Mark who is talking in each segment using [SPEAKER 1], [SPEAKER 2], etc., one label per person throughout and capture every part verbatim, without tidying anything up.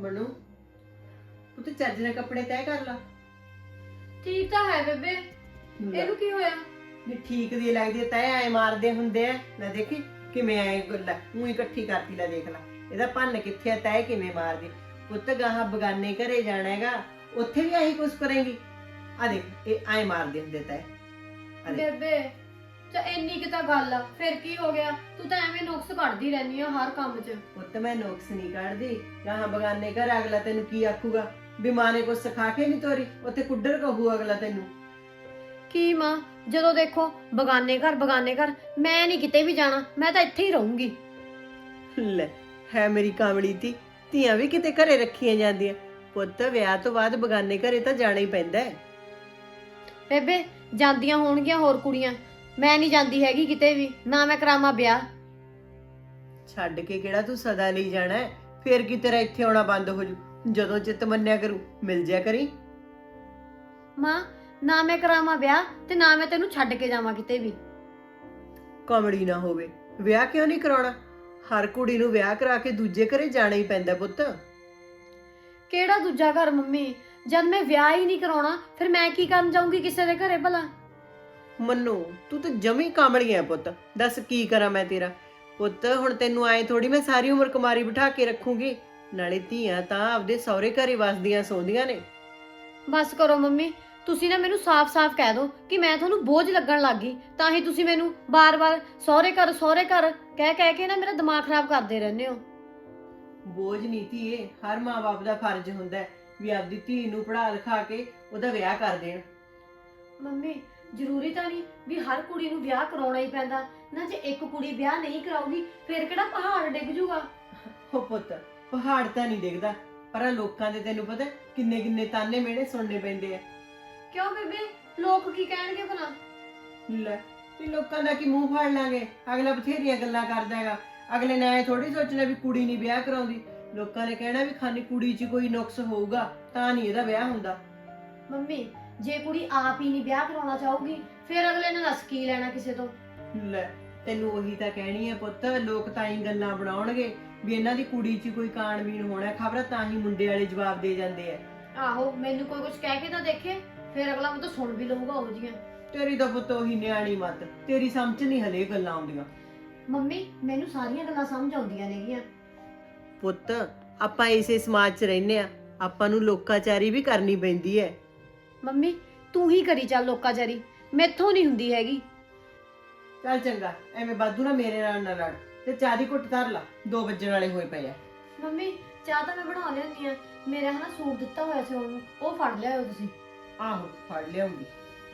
[SPEAKER 1] मनु तू तो ਚੱਜ ਨਾਲ ਕੱਪੜੇ ਤੈਅ ਕਰ ਲਾ।
[SPEAKER 2] ਠੀਕ ਤਾਂ ਹੈ ਬੇਬੇ, ਇਹਨੂੰ ਕੀ ਹੋਇਆ?
[SPEAKER 1] ਵੀ ਠੀਕ ਦੀ ਲੱਗਦੀ ਤੈਅ ਐ ਮਾਰਦੇ ਹੁੰਦੇ ਆ। ਲੈ ਦੇਖੀ ਕਿਵੇਂ ਐ ਗੱਲਾਂ ਉਹੀ ਇਕੱਠੀ ਕਰਤੀ। ਲੈ ਦੇਖ ਲੈ ਇਹਦਾ ਭੰਨ ਕਿੱਥੇ ਆ, ਤੈਅ ਕਿਵੇਂ ਮਾਰਦੀ। ਪੁੱਤ ਗਾਹਾਂ ਬਗਾਨੇ ਘਰੇ ਜਾਣਾ ਹੈਗਾ, ਉੱਥੇ ਵੀ ਆਹੀ ਕੁਛ ਕਰੇਂਗੀ। ਆ ਦੇਖ ਇਹ ਐ ਮਾਰਦੇ ਹੁੰਦੇ ਤੈਅ।
[SPEAKER 2] ਬੇਬੇ ਤਾਂ ਇੰਨੀ ਕਿ ਤਾਂ ਗੱਲ ਆ, ਫਿਰ ਕੀ ਹੋ ਗਿਆ? ਤੂੰ ਤਾਂ ਐਵੇਂ ਨੁਕਸ ਕੱਢਦੀ ਰਹਿਨੀ ਆ ਹਰ ਕੰਮ 'ਚ।
[SPEAKER 1] ਪੁੱਤ ਮੈਂ ਨੁਕਸ ਨਹੀਂ ਕੱਢਦੀ। ਗਾਹਾਂ ਬਗਾਨੇ ਘਰ ਅਗਲਾ ਤੈਨੂੰ ਕੀ ਆਖੂਗਾ ਵੀ ਮਾਂ ਨੇ ਕੁਛ ਸਿਖਾ ਕੇ ਨਹੀਂ ਤੋਰੀ, ਉੱਥੇ ਕੁੱਡਰ ਕਹੂ ਅਗਲਾ ਤੈਨੂੰ।
[SPEAKER 2] ਕੀ ਮਾਂ, ਜਦੋਂ ਦੇਖੋ ਬਗਾਨੇ ਘਰ ਬਗਾਨੇ ਘਰ, ਮੈਂ ਨਹੀਂ ਕਿਤੇ ਵੀ ਜਾਣਾ, ਮੈਂ ਤਾਂ ਇੱਥੇ ਹੀ ਰਹੂੰਗੀ।
[SPEAKER 1] ਲੈ ਹੈ ਮੇਰੀ ਕਾਮੜੀ ਤੀ, ਧੀਆਂ ਵੀ ਕਿਤੇ ਘਰੇ ਰੱਖੀਆਂ ਜਾਂਦੀਆਂ। ਪੁੱਤ ਵਿਆਹ ਤੋਂ ਬਾਅਦ ਬਗਾਨੇ ਘਰੇ ਤਾਂ ਜਾਣਾ ਹੀ ਪੈਂਦਾ ਹੈ।
[SPEAKER 2] ਬੇਬੇ ਜਾਂਦੀਆਂ ਹੋਣਗੀਆਂ ਹੋਰ ਕੁੜੀਆਂ, ਮੈਂ ਨਹੀਂ ਜਾਂਦੀ ਹੈਗੀ ਕਿਤੇ ਵੀ, ਨਾ ਮੈਂ ਕਰਾਵਾਂ ਵਿਆਹ।
[SPEAKER 1] ਛੱਡ ਕੇ ਕਿਹੜਾ ਤੂੰ ਸਦਾ ਲਈ ਜਾਣਾ ਹੈ? ਫੇਰ ਕੀ ਤੇਰਾ ਇੱਥੇ ਆਉਣਾ ਬੰਦ ਹੋ ਜੂ? ਜਦੋਂ ਚਿੱਤ ਮੰਨਿਆ ਕਰੂ ਮਿਲ ਜਾ ਕਰੀ।
[SPEAKER 2] ਮਾਂ ਨਾ ਮੈਂ ਕਰਾਵਾਂ ਵਿਆਹ ਤੇ ਨਾ ਮੈਂ ਤੈਨੂੰ ਛੱਡ ਕੇ ਜਾਵਾਂ ਕਿਤੇ ਵੀ।
[SPEAKER 1] ਕਾਮੜੀ ਨਾ ਹੋਵੇ, ਵਿਆਹ ਕਿਉਂ ਨਹੀਂ ਕਰਾਉਣਾ? ਹਰ ਕੁੜੀ ਨੂੰ ਵਿਆਹ ਕਰਾ ਕੇ ਦੂਜੇ ਘਰੇ ਜਾਣਾ ਹੀ ਪੈਂਦਾ ਪੁੱਤ।
[SPEAKER 2] ਕਿਹੜਾ ਦੂਜਾ ਘਰ ਮੰਮੀ? ਜਦ ਮੈਂ ਵਿਆਹ ਹੀ ਨਹੀਂ ਕਰਾਉਣਾ ਫਿਰ ਮੈਂ ਕੀ ਕਰਨ ਜਾਊਂਗੀ ਕਿਸੇ ਦੇ ਘਰੇ ਭਲਾ?
[SPEAKER 1] ਮੰਨੂ ਤੂੰ ਤਾਂ ਜਮੀ ਕਾਮੜੀ ਹੈ ਪੁੱਤ। ਦੱਸ ਕੀ ਕਰਾਂ ਮੈਂ ਤੇਰਾ? ਪੁੱਤ ਹੁਣ ਤੈਨੂੰ ਆਏ ਥੋੜੀ ਮੈਂ ਸਾਰੀ ਉਮਰ ਕੁਮਾਰੀ ਬਿਠਾ ਕੇ ਰੱਖੂੰਗੀ। ਨਾਲੇ ਧੀਆਂ ਤਾਂ ਆਪਦੇ ਸਹੁਰੇ ਘਰੇ ਵਸਦੀਆਂ ਸੌਂਦੀਆਂ ਨੇ।
[SPEAKER 2] ਬਸ ਕਰੋ ਮੰਮੀ, ਤੁਸੀਂ ਨਾ ਮੈਨੂੰ ਸਾਫ਼-ਸਾਫ਼ ਕਹਿ ਦਿਓ ਕਿ ਮੈਂ ਤੁਹਾਨੂੰ ਬੋਝ ਲੱਗਣ ਲੱਗ ਗਈ, ਤਾਂ ਹੀ ਤੁਸੀਂ ਮੈਨੂੰ ਬਾਰ-ਬਾਰ ਸਹੁਰੇ ਘਰ ਸਹੁਰੇ ਘਰ ਕਹਿ ਕਹਿ ਕੇ ਨਾ ਮੇਰਾ ਦਿਮਾਗ ਖਰਾਬ ਕਰਦੇ ਰਹਿੰਦੇ ਹੋ।
[SPEAKER 1] ਬੋਝ ਨਹੀਂ ਧੀਏ, ਹਰ ਮਾਂ-ਬਾਪ ਦਾ ਫਰਜ਼ ਹੁੰਦਾ ਹੈ ਵੀ ਆਪਦੀ ਧੀ ਨੂੰ ਪੜ੍ਹਾ ਲਿਖਾ ਕੇ ਉਹਦਾ ਵਿਆਹ ਕਰ ਦੇਣ।
[SPEAKER 2] ਮੰਮੀ ਜ਼ਰੂਰੀ ਤਾਂ ਨਹੀਂ ਵੀ ਹਰ ਕੁੜੀ ਨੂੰ ਵਿਆਹ ਕਰਾਉਣਾ ਹੀ ਪੈਂਦਾ ਨਾ। ਜੇ ਇੱਕ ਕੁੜੀ ਵਿਆਹ ਨਹੀਂ ਕਰਾਊਗੀ ਫਿਰ ਕਿਹੜਾ ਪਹਾੜ ਡਿੱਗ ਜੂਗਾ?
[SPEAKER 1] ਹੋ ਪੁੱਤ ਪਹਾੜ ਤਾਂ ਨਹੀਂ ਦਿਖਦਾ, ਪਰ ਆਹ ਲੋਕਾਂ ਦੇ ਤੈਨੂੰ ਪਤਾ ਕਿੰਨੇ ਕਿੰਨੇ ਤਾਨੇ ਮਿਹਣੇ ਸੁਣਨੇ ਪੈਂਦੇ ਆ।
[SPEAKER 2] ਕਿਉਂ ਬੇਬੇ, ਲੋਕ ਕੀ ਕਹਿਣਗੇ ਭਲਾ?
[SPEAKER 1] ਲੈ ਵੀ ਲੋਕਾਂ ਦਾ ਕੀ ਮੂੰਹ ਫਾੜ ਲਾਂਗੇ? ਅਗਲਾ ਬਥੇਰੀਆਂ ਗੱਲਾਂ ਕਰਦਾ ਹੈਗਾ। ਅਗਲੇ ਨੇ ਐ ਥੋੜੀ ਸੋਚਣਾ ਵੀ ਕੁੜੀ ਨਹੀਂ ਵਿਆਹ ਕਰਾਉਂਦੀ। ਲੋਕਾਂ ਨੇ ਕਹਿਣਾ ਵੀ ਖਾਨੀ ਕੁੜੀ 'ਚ ਕੋਈ ਨੁਕਸ ਹੋਊਗਾ ਤਾਂ ਨਹੀਂ ਇਹਦਾ ਵਿਆਹ ਹੁੰਦਾ।
[SPEAKER 2] ਮੰਮੀ ਜੇ ਕੁੜੀ ਆਪ ਹੀ ਨਹੀਂ ਵਿਆਹ ਕਰਾਉਣਾ ਚਾਹੂਗੀ ਫਿਰ ਅਗਲੇ ਨੇ ਦੱਸ ਕੀ ਲੈਣਾ ਕਿਸੇ ਤੋਂ?
[SPEAKER 1] ਲੈ ਤੈਨੂੰ ਉਹੀ ਤਾਂ ਕਹਿਣੀ ਹੈ ਪੁੱਤ, ਲੋਕ ਤਾਂ ਹੀ ਗੱਲਾਂ ਬਣਾਉਣਗੇ ਵੀ ਇਹਨਾਂ ਦੀ ਕੁੜੀ 'ਚ ਕੋਈ ਕਾਣਵੀਨ ਹੋਣਾ, ਖਬਰ ਤਾਂ ਹੀ ਮੁੰਡੇ ਵਾਲੇ ਜਵਾਬ ਦੇ ਜਾਂਦੇ ਆ।
[SPEAKER 2] ਆਹੋ ਮੈਨੂੰ ਕੋਈ ਕੁਝ ਕਹਿ ਕੇ ਤਾਂ ਦੇਖੇ, ਫਿਰ ਅਗਲਾ ਮੈਨੂੰ ਸੁਣ ਵੀ ਲਊਗਾ ਉਹ ਜੀਆਂ।
[SPEAKER 1] ਤੇਰੀ ਤਾਂ ਪੁੱਤ ਉਹੀ ਨਿਆਣੀ ਮੱਤ, ਤੇਰੀ ਸਮਝ ਨਹੀਂ ਹਲੇ ਗੱਲਾਂ ਆਉਂਦੀਆਂ।
[SPEAKER 2] ਮੰਮੀ ਮੈਨੂੰ ਸਾਰੀਆਂ ਗੱਲਾਂ ਸਮਝ ਆਉਂਦੀਆਂ ਨੇਗੀਆਂ।
[SPEAKER 1] ਪੁੱਤ ਆਪਾਂ ਇਸੇ ਸਮਾਜ 'ਚ ਰਹਿੰਦੇ ਆ, ਆਪਾਂ ਨੂੰ ਲੋਕਾਚਾਰੀ ਵੀ ਕਰਨੀ ਪੈਂਦੀ ਹੈ।
[SPEAKER 2] ਮੰਮੀ ਤੂੰ ਹੀ ਕਰੀ ਚੱਲ ਲੋਕਾਚਾਰੀ, ਮੈਥੋਂ ਨਹੀਂ ਹੁੰਦੀ ਹੈਗੀ।
[SPEAKER 1] ਚੱਲ ਚੰਗਾ, ਐਵੇਂ ਬਾਦੂ ਨਾ ਮੇਰੇ ਨਾਲ ਨਾ ਲੜ, ਤੇ ਚਾਹ ਦੀ ਘੁੱਟ ਧਰ ਲਾ, ਦੋ ਵੱਜਣ ਵਾਲੇ ਹੋਏ ਪਏ ਆ।
[SPEAKER 2] ਮੰਮੀ ਚਾਹ ਤਾਂ ਮੈਂ ਬਣਾ ਲਿਆਉਂਦੀ ਆ, ਮੇਰਾ ਹਨਾ ਸੂਟ ਦਿੱਤਾ ਹੋਇਆ ਸੀ ਉਹਨੂੰ, ਉਹ ਫੜ ਲਿਆਓ ਤੁਸੀਂ।
[SPEAKER 1] ਆਹੋ ਫੜ ਲਿਆਉਂਗੀ।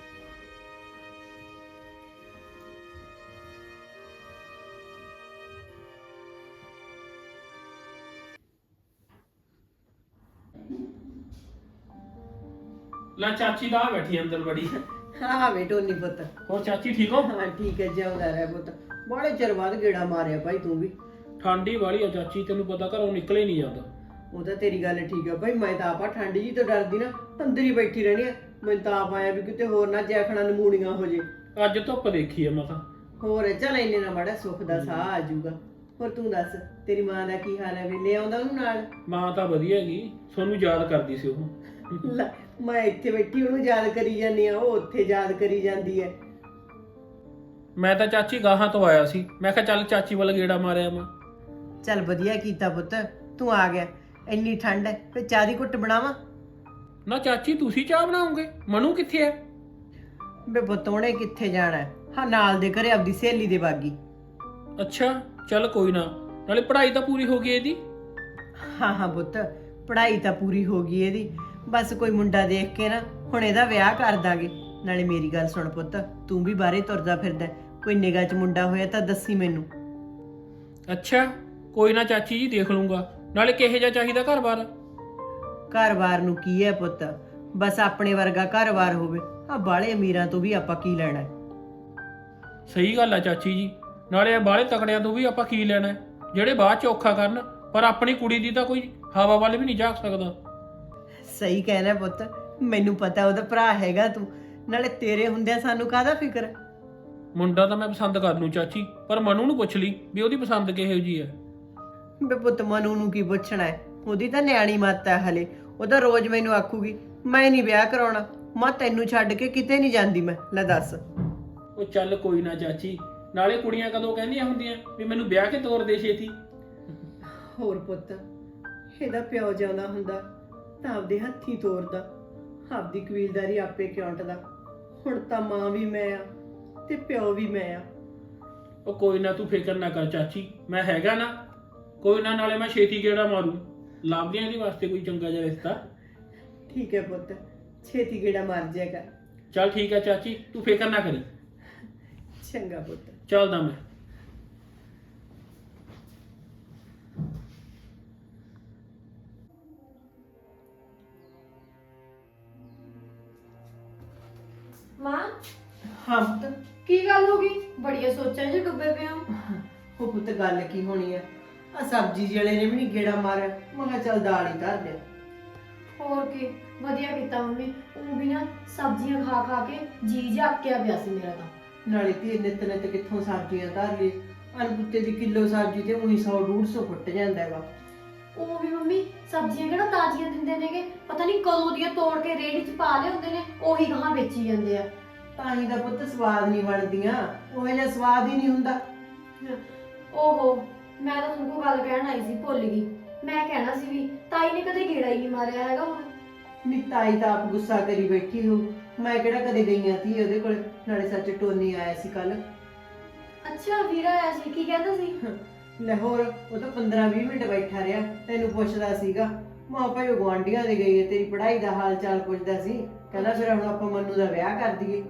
[SPEAKER 3] ਲੈ ਚਾਚੀ ਦਾ ਬੈਠੀ ਅੰਦਰ ਬੜੀ।
[SPEAKER 1] ਹਾਂ ਬੇਟੋ ਨਹੀਂ ਪੁੱਤ।
[SPEAKER 3] ਹੋਰ ਚਾਚੀ ਠੀਕ ਹੋ?
[SPEAKER 1] ਹਾਂ ਠੀਕ ਹੈ, ਜਿਉਂਦਾ ਰਹਿ ਪੁੱਤ। ਬੜੇ ਚਿਰ ਬਾਅਦ ਗੇੜਾ ਮਾਰਿਆ ਭਾਈ ਤੂੰ ਵੀ।
[SPEAKER 3] ਠੰਡੀ ਵਾਲੀ ਆ ਚਾਚੀ, ਤੈਨੂੰ ਪਤਾ ਘਰੋਂ ਨਿਕਲੇ ਨਹੀਂ ਜਾਂਦਾ।
[SPEAKER 1] ਉਹ ਤਾਂ ਤੇਰੀ ਗੱਲ ਠੀਕ ਆ ਭਾਈ, ਮੈਂ ਤਾਂ ਆਪਾ ਠੰਡ ਜੀ ਤੋਂ ਡਰਦੀ ਨਾ ਅੰਦਰ ਹੀ ਬੈਠੀ ਰਹਿਣੀ ਆ। ਮੈਨੂੰ ਤਾਂ ਆਪ ਆਇਆ ਵੀ ਕਿਤੇ ਹੋਰ ਨਾ ਜੈਖਣਾ ਨਮੂਣੀਆਂ ਹੋ ਜੇ।
[SPEAKER 3] ਅੱਜ ਧੁੱਪ ਦੇਖੀ ਆ ਮੈਂ ਤਾਂ।
[SPEAKER 1] ਹੋਰ ਚੱਲ ਇੰਨੇ ਨਾ ਮਾੜਾ ਸੁੱਖ ਦਾ ਸਾਹ ਆ ਜਾਊਗਾ। ਹੋਰ ਤੂੰ ਦੱਸ ਤੇਰੀ ਮਾਂ ਦਾ ਕੀ ਹਾਲ ਹੈ? ਵੇਲੇ ਆਉਂਦਾ ਉਹਨੂੰ ਨਾਲ?
[SPEAKER 3] ਮਾਂ ਤਾਂ ਵਧੀਆ ਹੈਗੀ, ਤੁਹਾਨੂੰ ਯਾਦ ਕਰਦੀ ਸੀ ਉਹ।
[SPEAKER 1] ਲੈ, ਮੈਂ ਇੱਥੇ ਬੈਠੀ ਉਹਨੂੰ ਯਾਦ ਕਰੀ ਜਾਂਦੀ ਆ, ਉਹ ਉੱਥੇ ਯਾਦ ਕਰੀ ਜਾਂਦੀ ਹੈ।
[SPEAKER 3] ਮੈਂ ਤਾਂ ਚਾਚੀ ਗਾਹਾਂ ਤੋਂ ਆਇਆ ਸੀ, ਮੈਂ ਕਿਹਾ ਚੱਲ ਚਾਚੀ ਵੱਲ ਗੇੜਾ ਮਾਰਿਆ ਮੈਂ।
[SPEAKER 1] ਚੱਲ ਵਧੀਆ ਕੀਤਾ ਪੁੱਤ, ਤੂੰ ਆ ਗਿਆ। ਇੰਨੀ ਠੰਡ ਹੈ, ਫਿਰ ਚਾਹ ਦੀ ਘੁੱਟ ਬਣਾਵਾਂ?
[SPEAKER 3] ਨਾ ਚਾਚੀ ਤੁਸੀਂ ਚਾਹ ਬਣਾਓਗੇ? ਮਨੂ ਕਿੱਥੇ ਹੈ?
[SPEAKER 1] ਬੇ ਪੁੱਤ ਉਹਨੇ ਕਿੱਥੇ ਜਾਣਾ? ਹਾਂ ਨਾਲ ਦੇ ਘਰੇ ਆਪਦੀ ਸਹੇਲੀ ਦੇ ਬਾਗੀ।
[SPEAKER 3] ਅੱਛਾ ਚੱਲ ਕੋਈ ਨਾ, ਨਾਲੇ ਪੜ੍ਹਾਈ ਤਾਂ ਪੂਰੀ ਹੋ ਗਈ ਇਹਦੀ।
[SPEAKER 1] ਹਾਂ ਹਾਂ ਪੁੱਤ ਪੜ੍ਹਾਈ ਤਾਂ ਪੂਰੀ ਹੋ ਗਈ ਇਹਦੀ, ਬਸ ਕੋਈ ਮੁੰਡਾ ਦੇਖ ਕੇ ਨਾ ਹੁਣ ਇਹਦਾ ਵਿਆਹ ਕਰ ਦਾਂਗੇ। ਨਾਲੇ ਮੇਰੀ ਗੱਲ ਸੁਣ ਪੁੱਤ, ਤੂੰ ਵੀ ਬਾਹਰੇ ਤੁਰਦਾ ਫਿਰਦਾ, ਕੋਈ ਨਿਗਾਹ 'ਚ ਮੁੰਡਾ ਹੋਇਆ ਤਾਂ ਦੱਸੀ ਮੈਨੂੰ।
[SPEAKER 3] ਅੱਛਾ ਕੋਈ ਨਾ ਚਾਚੀ ਜੀ ਦੇਖ ਲੂੰਗਾ। ਨਾਲੇ ਕਿਹੋ ਜਿਹਾ ਚਾਹੀਦਾ ਘਰ-ਬਾਰ?
[SPEAKER 1] ਘਰ-ਬਾਰ ਨੂੰ ਕੀ ਹੈ ਪੁੱਤ, ਬਸ ਆਪਣੇ ਵਰਗਾ ਘਰ-ਬਾਰ ਹੋਵੇ। ਆ ਬਾਲੇ ਅਮੀਰਾਂ ਤੋਂ ਵੀ ਆਪਾਂ ਕੀ ਲੈਣਾ?
[SPEAKER 3] ਸਹੀ ਗੱਲ ਆ ਚਾਚੀ ਜੀ, ਨਾਲੇ ਇਹ ਬਾਹਲੇ ਤਕੜਿਆਂ ਤੋਂ ਵੀ ਆਪਾਂ ਕੀ ਲੈਣਾ, ਜਿਹੜੇ ਬਾਅਦ ਚ ਔਖਾ ਕਰਨ। ਪਰ ਆਪਣੀ ਕੁੜੀ ਦੀ ਤਾਂ ਕੋਈ ਹਵਾ ਵੱਲ ਵੀ ਨਹੀਂ ਝਾਕ ਸਕਦਾ।
[SPEAKER 1] ਸਹੀ ਕਹਿਣਾ ਪੁੱਤ, ਮੈਨੂੰ ਪਤਾ ਉਹਦਾ ਭਰਾ ਹੈਗਾ ਤੂੰ, ਨਾਲੇ ਤੇਰੇ ਹੁੰਦਿਆਂ ਸਾਨੂੰ ਕਾਹਦਾ ਫਿਕਰ?
[SPEAKER 3] ਮੁੰਡਾ ਤਾਂ ਮੈਂ ਪਸੰਦ ਕਰ ਲੂੰ ਚਾਚੀ, ਪਰ ਮਨੂ ਨੂੰ ਪੁੱਛ ਲਈ ਵੀ ਉਹਦੀ ਪਸੰਦ ਕਿਹੋ ਜੀ ਹੈ।
[SPEAKER 1] ਬੇ ਪੁੱਤ ਮਨੂ ਨੂੰ ਕੀ ਪੁੱਛਣਾ ਹੈ? ਉਹਦੀ ਤਾਂ ਨਿਆਣੀ ਮੱਤ ਹੈ ਹਲੇ। ਉਹ ਤਾਂ ਰੋਜ਼ ਮੈਨੂੰ ਆਖੂਗੀ ਮੈਂ ਨਹੀਂ ਵਿਆਹ ਕਰਾਉਣਾ। ਮਾਂ ਤੈਨੂੰ ਛੱਡ ਕੇ ਕਿਤੇ ਨਹੀਂ ਜਾਂਦੀ ਮੈਂ। ਲੈ ਦੱਸ।
[SPEAKER 3] ਉਹ ਚੱਲ ਕੋਈ ਨਾ ਚਾਚੀ, ਨਾਲੇ ਕੁੜੀਆਂ ਕਦੋਂ ਕਹਿੰਦੀਆਂ ਹੁੰਦੀਆਂ ਵੀ ਮੈਨੂੰ ਵਿਆਹ ਕੇ ਤੋਰ ਦੇ ਛੇਤੀ।
[SPEAKER 1] ਹੋਰ ਪੁੱਤ, ਇਹਦਾ ਪਿਓ ਜਿਉਂਦਾ ਹੁੰਦਾ ਤਾਂ ਆਪਦੇ ਹੱਥੀਂ ਤੋਰਦਾ, ਆਪਦੀ ਕਬੀਲਦਾਰੀ ਆਪੇ ਕਿਉਂਟਦਾ। ਹੁਣ ਤਾਂ ਮਾਂ ਵੀ ਮੈਂ ਆ ਤੇ ਪਿਓ ਵੀ ਮੈਂ ਆ।
[SPEAKER 3] ਉਹ ਕੋਈ ਨਾ, ਤੂੰ ਫਿਕਰ ਨਾ ਕਰ ਚਾਚੀ, ਮੈਂ ਹੈਗਾ ਨਾ। ਕੋਈ ਨਾ, ਨਾਲੇ ਮੈਂ ਛੇਤੀ ਗੇੜਾ ਮਾਰੂ, ਲੱਭਦੇ ਆਂ ਇਹਦੇ ਵਾਸਤੇ ਕੋਈ ਚੰਗਾ ਜਿਹਾ ਰਿਸ਼ਤਾ।
[SPEAKER 1] ਠੀਕ ਹੈ ਪੁੱਤ, ਛੇਤੀ ਗੇੜਾ ਮਾਰ ਜਾਏਗਾ।
[SPEAKER 3] ਚੱਲ ਠੀਕ ਹੈ ਚਾਚੀ, ਤੂੰ ਫਿਕਰ ਨਾ ਕਰੀ।
[SPEAKER 1] ਚੰਗਾ ਪੁੱਤ।
[SPEAKER 3] ਚੱਲਦਾ ਮੈਂ।
[SPEAKER 2] ਮਾਂ,
[SPEAKER 1] ਹਾਂ ਪੁੱਤ।
[SPEAKER 2] ਕੀ ਗੱਲ ਹੋ ਗਈ? ਬੜੀਆਂ ਸੋਚਾਂ 'ਚ ਡੁੱਬੇ ਪਏ ਹੋ।
[SPEAKER 1] ਉਹ ਪੁੱਤ ਗੱਲ ਕੀ ਹੋਣੀ ਆ, ਆ ਸਬਜ਼ੀ ਜਿਹੜੇ ਨੇ ਵੀ ਨਹੀਂ ਗੇੜਾ ਮਾਰਿਆ। ਮੈਂ ਕਿਹਾ ਚੱਲ ਦਾਲ ਹੀ ਧਰ ਦੇ।
[SPEAKER 2] ਹੋਰ ਕੀ, ਵਧੀਆ ਕੀਤਾ ਮੰਮੀ। ਉਹ ਵੀ ਨਾ ਸਬਜ਼ੀਆਂ ਖਾ ਖਾ ਕੇ ਜੀ ਜਾਕਿਆ ਪਿਆ ਸੀ ਮੇਰਾ ਤਾਂ।
[SPEAKER 1] ਨਾਲੇ ਤੇ ਨਿੱਤ ਨਿੱਤ ਕਿੱਥੋਂ ਸਬਜ਼ੀਆਂ ਧਰ ਲਈ। ਅਨਪੁੱਤੇ ਦੀ ਕਿਲੋ ਸਬਜ਼ੀ ਤੇ ਉਹੀ ਸੌ ਡੂਢ ਸੌ ਫੁੱਟ ਜਾਂਦਾ ਹੈਗਾ।
[SPEAKER 2] ਉਹ ਵੀ ਮੰਮੀ ਸਬਜ਼ੀਆਂ ਕਿਹੜਾ ਤਾਜ਼ੀਆਂ ਦਿੰਦੇ ਨੇਗੇ, ਪਤਾ ਨਹੀਂ ਕਦੋਂ ਦੀਆਂ ਤੋੜ ਕੇ ਰੇਹੜੀ 'ਚ ਪਾ ਲਏ ਹੁੰਦੇ ਨੇ, ਉਹੀ ਗਾਹਾਂ ਵੇਚੀ ਜਾਂਦੇ ਆ।
[SPEAKER 1] ਤਾਂ ਹੀ ਦਾ ਪੁੱਤ ਸਵਾਦ ਨਹੀਂ ਬਣਦੀਆਂ, ਉਹ ਜਿਹਾ ਸਵਾਦ ਹੀ ਨਹੀਂ ਹੁੰਦਾ।
[SPEAKER 2] ਓਹੋ, ਮੈਂ ਤਾਂ ਤੁਹਾਨੂੰ ਗੱਲ ਕਹਿਣ ਆਈ ਸੀ, ਭੁੱਲ ਗਈ। ਮੈਂ ਕਹਿਣਾ ਸੀ ਵੀ ਤਾਈ ਨੇ ਕਦੇ ਗੇੜਾ ਹੀ ਨਹੀਂ ਮਾਰਿਆ ਹੈਗਾ ਹੁਣ।
[SPEAKER 1] ਨਿਤਾਈ ਤਾਂ ਆਪ ਗੁੱਸਾ ਕਰੀ ਬੈਠੀ ਹੋ। ਮੈਂ ਕਿਹੜਾ ਕਦੇ ਗਈਆਂ ਸੀ ਉਹਦੇ ਕੋਲ। ਨਾਲੇ ਸੱਚ ਟੋਨੀ ਆਇਆ ਸੀ ਕੱਲ।
[SPEAKER 2] ਅੱਛਾ, ਵੀਰਾ ਆਇਆ ਸੀ, ਕੀ ਕਹਿੰਦਾ ਸੀ?
[SPEAKER 1] ਲਾਹੌਰ ਉਹ ਤਾਂ ਪੰਦਰਾਂ ਵੀਹ ਮਿੰਟ ਬੈਠਾ ਰਿਹਾ, ਤੈਨੂੰ ਪੁੱਛਦਾ ਸੀਗਾ। ਮਾਂ ਭਾਈ ਉਹ ਗੁਆਂਢੀਆਂ ਦੇ ਗਈ ਹੈ, ਤੇਰੀ ਪੜ੍ਹਾਈ ਦਾ ਹਾਲ ਚਾਲ ਪੁੱਛਦਾ ਸੀ। ਕਹਿੰਦਾ ਫਿਰ ਹੁਣ ਆਪਾਂ ਮੰਨੂ ਦਾ ਵਿਆਹ ਕਰ ਦਈਏ।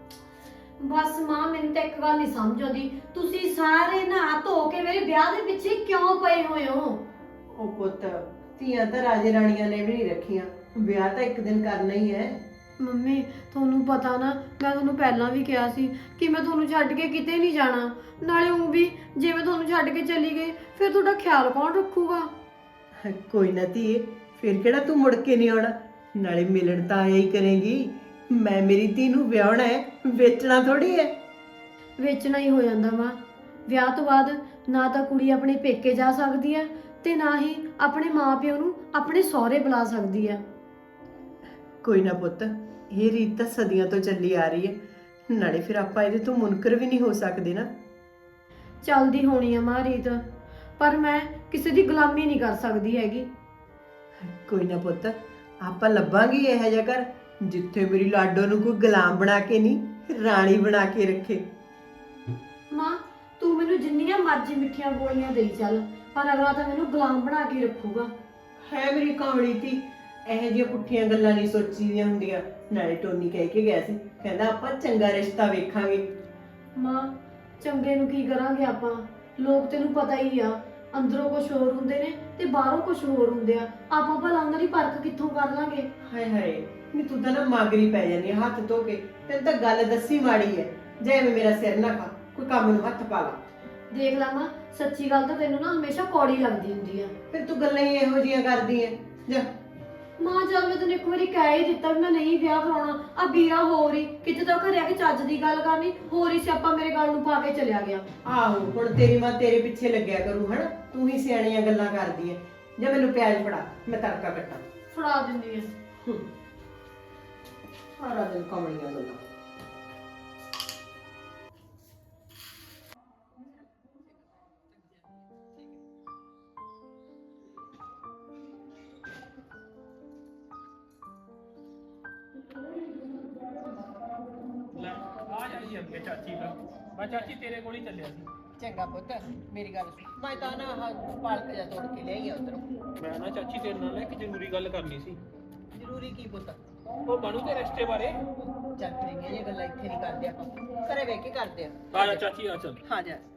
[SPEAKER 2] ਬਸ ਮਾਂ, ਮੈਨੂੰ ਤਾਂ ਇੱਕ ਗੱਲ ਨਹੀਂ ਸਮਝ ਆਉਂਦੀ, ਤੁਸੀਂ ਸਾਰੇ ਨਹਾ ਧੋ ਕੇ ਮੇਰੇ ਵਿਆਹ ਦੇ ਪਿੱਛੇ ਕਿਉਂ ਪਏ ਹੋਏ ਹੋ?
[SPEAKER 1] ਉਹ ਪੁੱਤ, ਧੀਆਂ ਤਾਂ ਰਾਜੇ ਰਾਣੀਆਂ ਨੇ ਵੀ ਨਹੀਂ ਰੱਖੀਆਂ, ਵਿਆਹ ਤਾਂ ਇੱਕ ਦਿਨ ਕਰਨਾ ਹੀ ਹੈ।
[SPEAKER 2] ਮੰਮੀ, ਤੁਹਾਨੂੰ ਪਤਾ ਨਾ, ਮੈਂ ਤੁਹਾਨੂੰ ਪਹਿਲਾਂ ਵੀ ਕਿਹਾ ਸੀ ਕਿ ਮੈਂ ਤੁਹਾਨੂੰ ਛੱਡ ਕੇ ਕਿਤੇ ਨਹੀਂ ਜਾਣਾ। ਨਾਲੇ ਉਹ ਵੀ ਜੇ ਮੈਂ ਤੁਹਾਨੂੰ ਛੱਡ ਕੇ ਚਲੀ ਗਈ ਫਿਰ ਤੁਹਾਡਾ ਖਿਆਲ ਕੌਣ ਰੱਖੂਗਾ?
[SPEAKER 1] ਕੋਈ ਨਾ ਧੀਏ, ਫਿਰ ਕਿਹੜਾ ਤੂੰ ਮੁੜ ਕੇ ਨਹੀਂ ਆਉਣਾ। ਨਾਲੇ ਮਿਲਣ ਤਾਂ ਆਇਆ ਹੀ ਕਰੇਗੀ। ਮੈਂ ਮੇਰੀ ਧੀ ਨੂੰ ਵਿਆਹਣਾ ਹੈ, ਵੇਚਣਾ ਥੋੜੀ ਹੈ।
[SPEAKER 2] ਵੇਚਣਾ ਹੀ ਹੋ ਜਾਂਦਾ ਮਾਂ। ਵਿਆਹ ਤੋਂ ਬਾਅਦ ਨਾ ਤਾਂ ਕੁੜੀ ਆਪਣੇ ਪੇਕੇ ਜਾ ਸਕਦੀ ਹੈ ਤੇ ਨਾ ਹੀ ਆਪਣੇ ਮਾਪਿਓ ਨੂੰ ਆਪਣੇ ਸਹੁਰੇ ਬੁਲਾ ਸਕਦੀ ਹੈ।
[SPEAKER 1] ਕੋਈ ਨਾ ਪੁੱਤ, ਇਹ ਰੀਤ ਤਾਂ ਸਦੀਆਂ ਤੋਂ ਚੱਲੀ ਆ ਰਹੀ ਹੈ। ਨਾਲੇ ਫਿਰ ਆਪਾਂ ਇਹਦੇ ਤੋਂ ਮੁਨਕਰ ਵੀ ਨਹੀਂ ਹੋ ਸਕਦੇ ਨਾ।
[SPEAKER 2] ਚੱਲਦੀ ਹੋਣੀ ਆ ਮਾਂ ਰੀਤ, ਪਰ ਮੈਂ ਕਿਸੇ ਦੀ ਗੁਲਾਮੀ ਨਹੀਂ ਕਰ ਸਕਦੀ ਹੈਗੀ।
[SPEAKER 1] ਕੋਈ ਨਾ ਪੁੱਤ, ਆਪਾਂ ਲੱਭਾਂਗੇ ਇਹੋ ਜਿਹਾ ਘਰ ਜਿੱਥੇ ਮੇਰੀ ਲਾਡੋ ਨੂੰ ਕੋਈ ਗੁਲਾਮ ਬਣਾ ਕੇ ਨਹੀਂ, ਰਾਣੀ ਬਣਾ ਕੇ ਰੱਖੇ।
[SPEAKER 2] ਮਾਂ, ਤੂੰ ਮੈਨੂੰ ਜਿੰਨੀਆਂ ਮਰਜ਼ੀ ਮਿੱਠੀਆਂ ਗੋਲੀਆਂ ਦੇਈ ਚੱਲ, ਪਰ ਅਗਲਾ ਤਾਂ ਮੈਨੂੰ ਗੁਲਾਮ ਬਣਾ ਕੇ ਰੱਖੂਗਾ।
[SPEAKER 1] ਹੈ ਮੇਰੀ ਕਾਮੜੀ ਧੀ, ਇਹੋ ਜਿਹੀਆਂ ਪੁੱਠੀਆਂ ਗੱਲਾਂ ਨਹੀਂ ਸੋਚੀਦੀਆਂ ਹੁੰਦੀਆਂ। ਨਾਲੇ ਟੋਨੀ ਕਹਿ ਕੇ ਗਿਆ ਸੀ, ਕਹਿੰਦਾ ਆਪਾਂ ਚੰਗਾ ਰਿਸ਼ਤਾ ਵੇਖਾਂਗੇ।
[SPEAKER 2] ਮਾਂ, ਚੰਗੇ ਨੂੰ ਕੀ ਕਰਾਂਗੇ ਆਪਾਂ? ਲੋਕ ਤੈਨੂੰ ਪਤਾ ਹੀ ਆ, ਅੰਦਰੋਂ ਕੁਝ ਹੋਰ ਹੁੰਦੇ ਨੇ ਤੇ ਬਾਹਰੋਂ ਕੁਝ ਹੋਰ ਹੁੰਦੇ ਆ। ਆਪਾਂ ਭਲਾ ਉਹਨਾਂ ਦੀ ਪਰਖ ਕਿੱਥੋਂ ਕਰ ਲਾਂਗੇ?
[SPEAKER 1] ਹਾਏ ਹਾਏ, ਨੀ ਤੂੰ ਤਾਂ ਨਾ ਮਾਗਰੀ ਪੈ ਜਾਂਦੀ ਆ ਹੱਥ ਧੋ ਕੇ। ਤੈਨੂੰ ਤਾਂ ਗੱਲ ਦੱਸੀ ਮਾੜੀ ਹੈ। ਜੇ ਐਵੇਂ ਮੇਰਾ ਸਿਰ ਨਾ ਖਾ, ਕੋਈ ਕੰਮ ਨੂੰ ਹੱਥ ਪਾ ਲਾ।
[SPEAKER 2] ਦੇਖ ਲਾ ਮਾਂ, ਸੱਚੀ ਗੱਲ ਤਾਂ ਤੈਨੂੰ ਨਾ ਹਮੇਸ਼ਾ ਕੌੜੀ ਲੱਗਦੀ ਹੁੰਦੀ ਆ।
[SPEAKER 1] ਫਿਰ ਤੂੰ ਗੱਲਾਂ ਹੀ ਇਹੋ ਜਿਹੀਆਂ ਕਰਦੀ ਐ। ਜਾ
[SPEAKER 2] ਮਾਂ, ਜਦ ਮੈਂ ਤੈਨੂੰ ਇੱਕ ਵਾਰੀ ਕਹਿ ਹੀ ਦਿੱਤਾ ਵੀ ਮੈਂ ਨਹੀਂ ਵਿਆਹ ਕਰਾਉਣਾ, ਆ ਵੀਰਾ ਹੋਰ ਹੀ ਕਿਤੇ ਤਾਂ ਘਰੇ ਆ ਕੇ ਚੱਜ ਦੀ ਗੱਲ ਕਰਨੀ, ਹੋਰ ਹੀ ਸਿਆਪਾ ਮੇਰੇ ਗੱਲ ਨੂੰ ਪਾ ਕੇ ਚਲਿਆ ਗਿਆ।
[SPEAKER 1] ਆਹੋ, ਹੁਣ ਤੇਰੀ ਮਾਂ ਤੇਰੇ ਪਿੱਛੇ ਲੱਗਿਆ ਕਰੂ ਹਨਾ। ਤੂੰ ਹੀ ਸਿਆਣੀਆਂ ਗੱਲਾਂ ਕਰਦੀ ਐ। ਜੇ ਮੈਨੂੰ ਪਿਆਜ਼ ਫੜਾ, ਮੈਂ ਤੜਕਾ ਕੱਟਾਂ।
[SPEAKER 2] ਫੜਾ ਦਿੰਦੀ ਆ।
[SPEAKER 1] ਹੂੰ, ਸਾਰਾ ਦਿਨ ਕਮਲੀਆਂ ਗੱਲਾਂ।
[SPEAKER 3] ਲੈ ਆ ਜਾਈ ਅੱਗੇ ਚਾਚੀ ਦਾ। ਮੈਂ ਚਾਚੀ ਤੇਰੇ ਕੋਲ ਹੀ ਚੱਲਿਆ ਸੀ।
[SPEAKER 1] ਚੰਗਾ ਪੁੱਤ, ਮੇਰੀ ਗੱਲ ਸੁਣ। ਮੈਂ ਤਾਂ ਨਾ ਆਹ ਪਾਲਕ ਜਾ ਤੋੜ ਕੇ ਲਿਆਈ ਆ ਉਧਰੋਂ।
[SPEAKER 3] ਮੈਂ ਨਾ ਚਾਚੀ ਤੇਰੇ ਨਾਲ ਇੱਕ ਜ਼ਰੂਰੀ ਗੱਲ ਕਰਨੀ ਸੀ।
[SPEAKER 1] ਜ਼ਰੂਰੀ ਕੀ ਪੁੱਤ?
[SPEAKER 3] ਉਹ ਬਣੂ ਦੇ ਰਿਸ਼ਤੇ ਬਾਰੇ।
[SPEAKER 1] ਚੱਲ ਤੇਰੀਆਂ ਇਹ ਗੱਲਾਂ ਇੱਥੇ ਨਹੀਂ ਕਰਦੇ ਆਪਾਂ, ਘਰੇ ਵੇਖ ਕੇ ਕਰਦੇ ਆ।
[SPEAKER 3] ਆ ਜਾ ਚਾਚੀ, ਆ ਚੱਲ।
[SPEAKER 1] ਹਾਂ ਜਾ।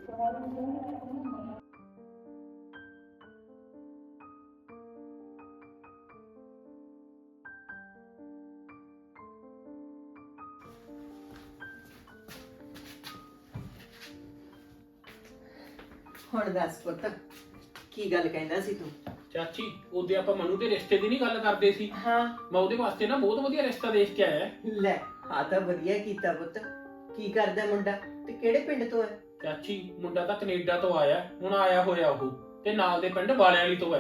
[SPEAKER 1] ਹੁਣ ਦੱਸ ਪੁੱਤ, ਕੀ ਗੱਲ ਕਹਿੰਦਾ ਸੀ ਤੂੰ?
[SPEAKER 3] ਚਾਚੀ, ਉਹਦੇ ਆਪਾਂ ਮਨੂ ਦੇ ਰਿਸ਼ਤੇ ਦੀ ਨਹੀਂ ਗੱਲ ਕਰਦੇ ਸੀ।
[SPEAKER 1] ਹਾਂ,
[SPEAKER 3] ਮੈਂ ਉਹਦੇ ਵਾਸਤੇ ਨਾ ਬਹੁਤ ਵਧੀਆ ਰਿਸ਼ਤਾ ਦੇਖ ਕੇ ਆਇਆ।
[SPEAKER 1] ਲੈ ਆ ਤਾਂ ਵਧੀਆ ਕੀਤਾ ਪੁੱਤ। ਕੀ ਕਰਦਾ ਮੁੰਡਾ ਤੇ ਕਿਹੜੇ ਪਿੰਡ ਤੋਂ ਹੈ?
[SPEAKER 3] ਚਾਚੀ, ਮੁੰਡਾ ਤਾਂ ਕੈਨੇਡਾ ਤੋਂ ਆਇਆ, ਹੁਣ ਆਇਆ ਹੋਇਆ ਉਹ, ਤੇ ਨਾਲ ਦੇ ਪਿੰਡ ਵਾਲਿਆਂ ਵਾਲੀ ਤੋਂ ਹੈ।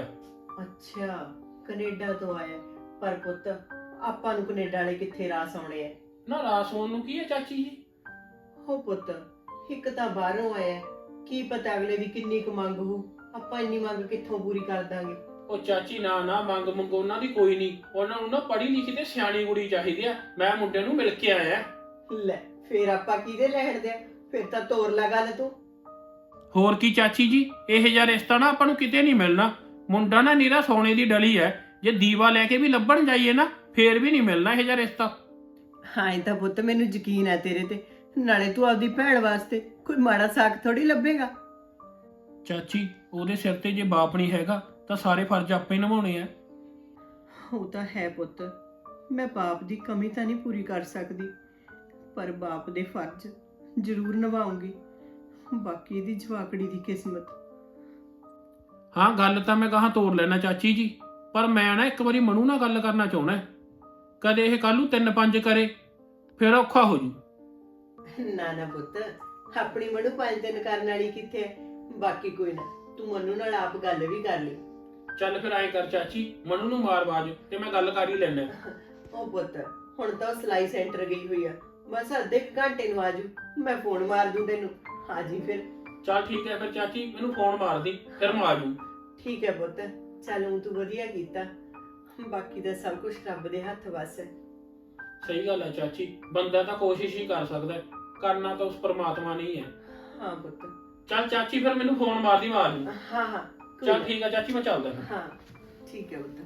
[SPEAKER 1] ਅੱਛਾ, ਕੈਨੇਡਾ ਤੋਂ ਆਇਆ। ਪਰ ਪੁੱਤ ਆਪਾਂ ਨੂੰ ਕੈਨੇਡਾ ਵਾਲੇ ਕਿੱਥੇ ਰਾਸ ਆਉਣੇ ਆ।
[SPEAKER 3] ਨਾ ਰਾਸ ਹੋਣ ਨੂੰ ਕੀ ਹੈ ਚਾਚੀ ਜੀ?
[SPEAKER 1] ਹੋ ਪੁੱਤ, ਇੱਕ ਤਾਂ ਬਾਹਰੋਂ ਆਇਆ, ਕੀ ਪਤਾ ਅਗਲੇ ਦੀ ਕਿੰਨੀ ਕੁ ਮੰਗ ਹੋ, ਆਪਾਂ ਇੰਨੀ ਮੰਗ ਕਿੱਥੋਂ ਪੂਰੀ ਕਰ ਦਾਂਗੇ।
[SPEAKER 3] ਉਹ ਚਾਚੀ ਨਾ ਨਾ ਮੰਗ ਮੰਗ ਉਹਨਾਂ ਦੀ ਕੋਈ ਨਹੀਂ, ਉਹਨਾਂ ਨੂੰ ਨਾ ਪੜ੍ਹੀ ਲਿਖੀ ਤੇ ਸਿਆਣੀ ਕੁੜੀ ਚਾਹੀਦੀ ਆ। ਮੈਂ ਮੁੰਡੇ ਨੂੰ ਮਿਲ ਕੇ ਆਇਆ।
[SPEAKER 1] ਲੈ ਫੇਰ ਆਪਾਂ ਕਿਹਦੇ ਲੈਣ ਦੇ ਆ? ਫਿਰ ਤਾਂ ਤੋਰ ਲਾ ਗੱਲ ਤੂੰ।
[SPEAKER 3] ਹੋਰ ਕੀ ਚਾਚੀ ਜੀ, ਇਹ ਜਿਹਾ ਰਿਸ਼ਤਾ ਨਾ ਆਪਾਂ ਨੂੰ ਕਿਤੇ ਨਹੀਂ ਮਿਲਣਾ। ਮੁੰਡਾ ਨਾ ਨੀਰਾ ਸੋਨੇ ਦੀ ਡਲੀ ਹੈ, ਜੇ ਦੀਵਾ ਲੈ ਕੇ ਵੀ ਲੱਭਣ ਜਾਈਏ ਨਾ ਫੇਰ ਵੀ ਨਹੀਂ ਮਿਲਣਾ ਇਹ ਜਿਹਾ ਰਿਸ਼ਤਾ।
[SPEAKER 1] ਹਾਂ ਇਹ ਤਾਂ ਪੁੱਤ ਮੈਨੂੰ ਯਕੀਨ ਹੈ ਤੇਰੇ ਤੇ, ਨਾਲੇ ਤੂੰ ਆਪਦੀ ਭੈਣ ਵਾਸਤੇ ਕੋਈ ਮਾੜਾ ਸਾਕ ਥੋੜੀ ਲੱਭੇਗਾ।
[SPEAKER 3] ਚਾਚੀ ਉਹਦੇ ਸਿਰ ਤੇ ਜੇ ਬਾਪ ਨਹੀਂ ਹੈਗਾ ਤਾਂ ਸਾਰੇ ਫਰਜ਼ ਆਪੇ ਨਿਭਾਉਣੇ ਆ।
[SPEAKER 1] ਉਹ ਤਾਂ ਹੈ ਪੁੱਤ, ਮੈਂ ਬਾਪ ਦੀ ਕਮੀ ਤਾਂ ਨਹੀਂ ਪੂਰੀ ਕਰ ਸਕਦੀ, ਪਰ ਬਾਪ ਦੇ ਫਰਜ਼ ਜ਼ਰੂਰ ਨਿਭਾਉਂਗੀ। ਬਾਕੀ ਇਹਦੀ ਜਵਾਕੜੀ ਦੀ ਕਿਸਮਤ।
[SPEAKER 3] ਹਾਂ ਗੱਲ ਤਾਂ ਮੈਂ ਕਹਾਂ ਤੋੜ ਲੈਣਾ ਚਾਚੀ ਜੀ, ਪਰ ਮੈਂ ਨਾ ਇੱਕ ਵਾਰੀ ਮਨੂ ਨਾਲ ਗੱਲ ਕਰਨਾ ਚਾਹੁੰਦਾ। ਕਦੇ ਇਹ ਕੱਲ ਨੂੰ ਤਿੰਨ ਪੰਜ ਕਰੇ ਫਿਰ ਔਖਾ ਹੋ ਜੂ।
[SPEAKER 1] ਨਾ ਨਾ ਪੁੱਤ, ਆਪਣੀ ਮਨੂ ਪੰਜ ਦਿਨ ਕਰਨ ਵਾਲੀ ਕਿੱਥੇ ਹੈ। ਬਾਕੀ ਕੋਈ ਨਾ, ਤੂੰ ਮਨੂ ਨਾਲ ਆਪ ਗੱਲ ਵੀ ਕਰ ਲਈ।
[SPEAKER 3] ਚੱਲ ਫਿਰ ਐਂ ਕਰ ਚਾਚੀ, ਮਨੂ ਨੂੰ ਮਾਰ ਬਾਜ ਤੇ ਮੈਂ ਗੱਲ ਕਰ ਹੀ ਲੈਣਾ।
[SPEAKER 1] ਉਹ ਪੁੱਤ ਹੁਣ ਤਾਂ ਉਹ ਸਿਲਾਈ ਸੈਂਟਰ ਗਈ ਹੋਈ ਆ, ਬਸ ਅੱਧੇ ਕੁ ਘੰਟੇ ਨੂੰ ਆਜੂ, ਮੈਂ ਫੋਨ ਮਾਰ ਦੂੰ ਤੈਨੂੰ। ਹਾਜੀ ਫਿਰ।
[SPEAKER 3] ਚੱਲ ਠੀਕ ਹੈ ਫਿਰ ਚਾਚੀ, ਮੈਨੂੰ ਫੋਨ ਮਾਰ ਦੀ ਫਿਰ ਮੈਂ ਆ ਜੂ।
[SPEAKER 1] ਠੀਕ ਹੈ ਪੁੱਤ, ਚੱਲ ਊਂ ਤੂੰ ਵਧੀਆ ਕੀਤਾ, ਬਾਕੀ ਦਾ ਸਭ ਕੁਝ ਰੱਬ ਦੇ ਹੱਥ ਵੱਸ ਹੈ।
[SPEAKER 3] ਸਹੀ ਗੱਲ ਹੈ ਚਾਚੀ, ਬੰਦਾ ਤਾਂ ਕੋਸ਼ਿਸ਼ ਹੀ ਕਰ ਸਕਦਾ, ਕਰਨਾ ਤਾਂ ਉਸ ਪਰਮਾਤਮਾ ਨੇ ਹੀ ਹੈ।
[SPEAKER 1] ਹਾਂ ਪੁੱਤ।
[SPEAKER 3] ਚੱਲ ਚਾਚੀ ਫਿਰ ਮੈਨੂੰ ਫੋਨ ਮਾਰਦੀ ਮਾਰ ਦੀ।
[SPEAKER 1] ਹਾਂ ਹਾਂ ਕੋਈ
[SPEAKER 3] ਚੱਲ
[SPEAKER 1] ਨਾ।
[SPEAKER 3] ਠੀਕ ਹੈ ਚਾਚੀ, ਮੈਂ ਚੱਲਦਾ ਫਿਰ।
[SPEAKER 1] ਹਾਂ ਠੀਕ ਹੈ ਪੁੱਤ।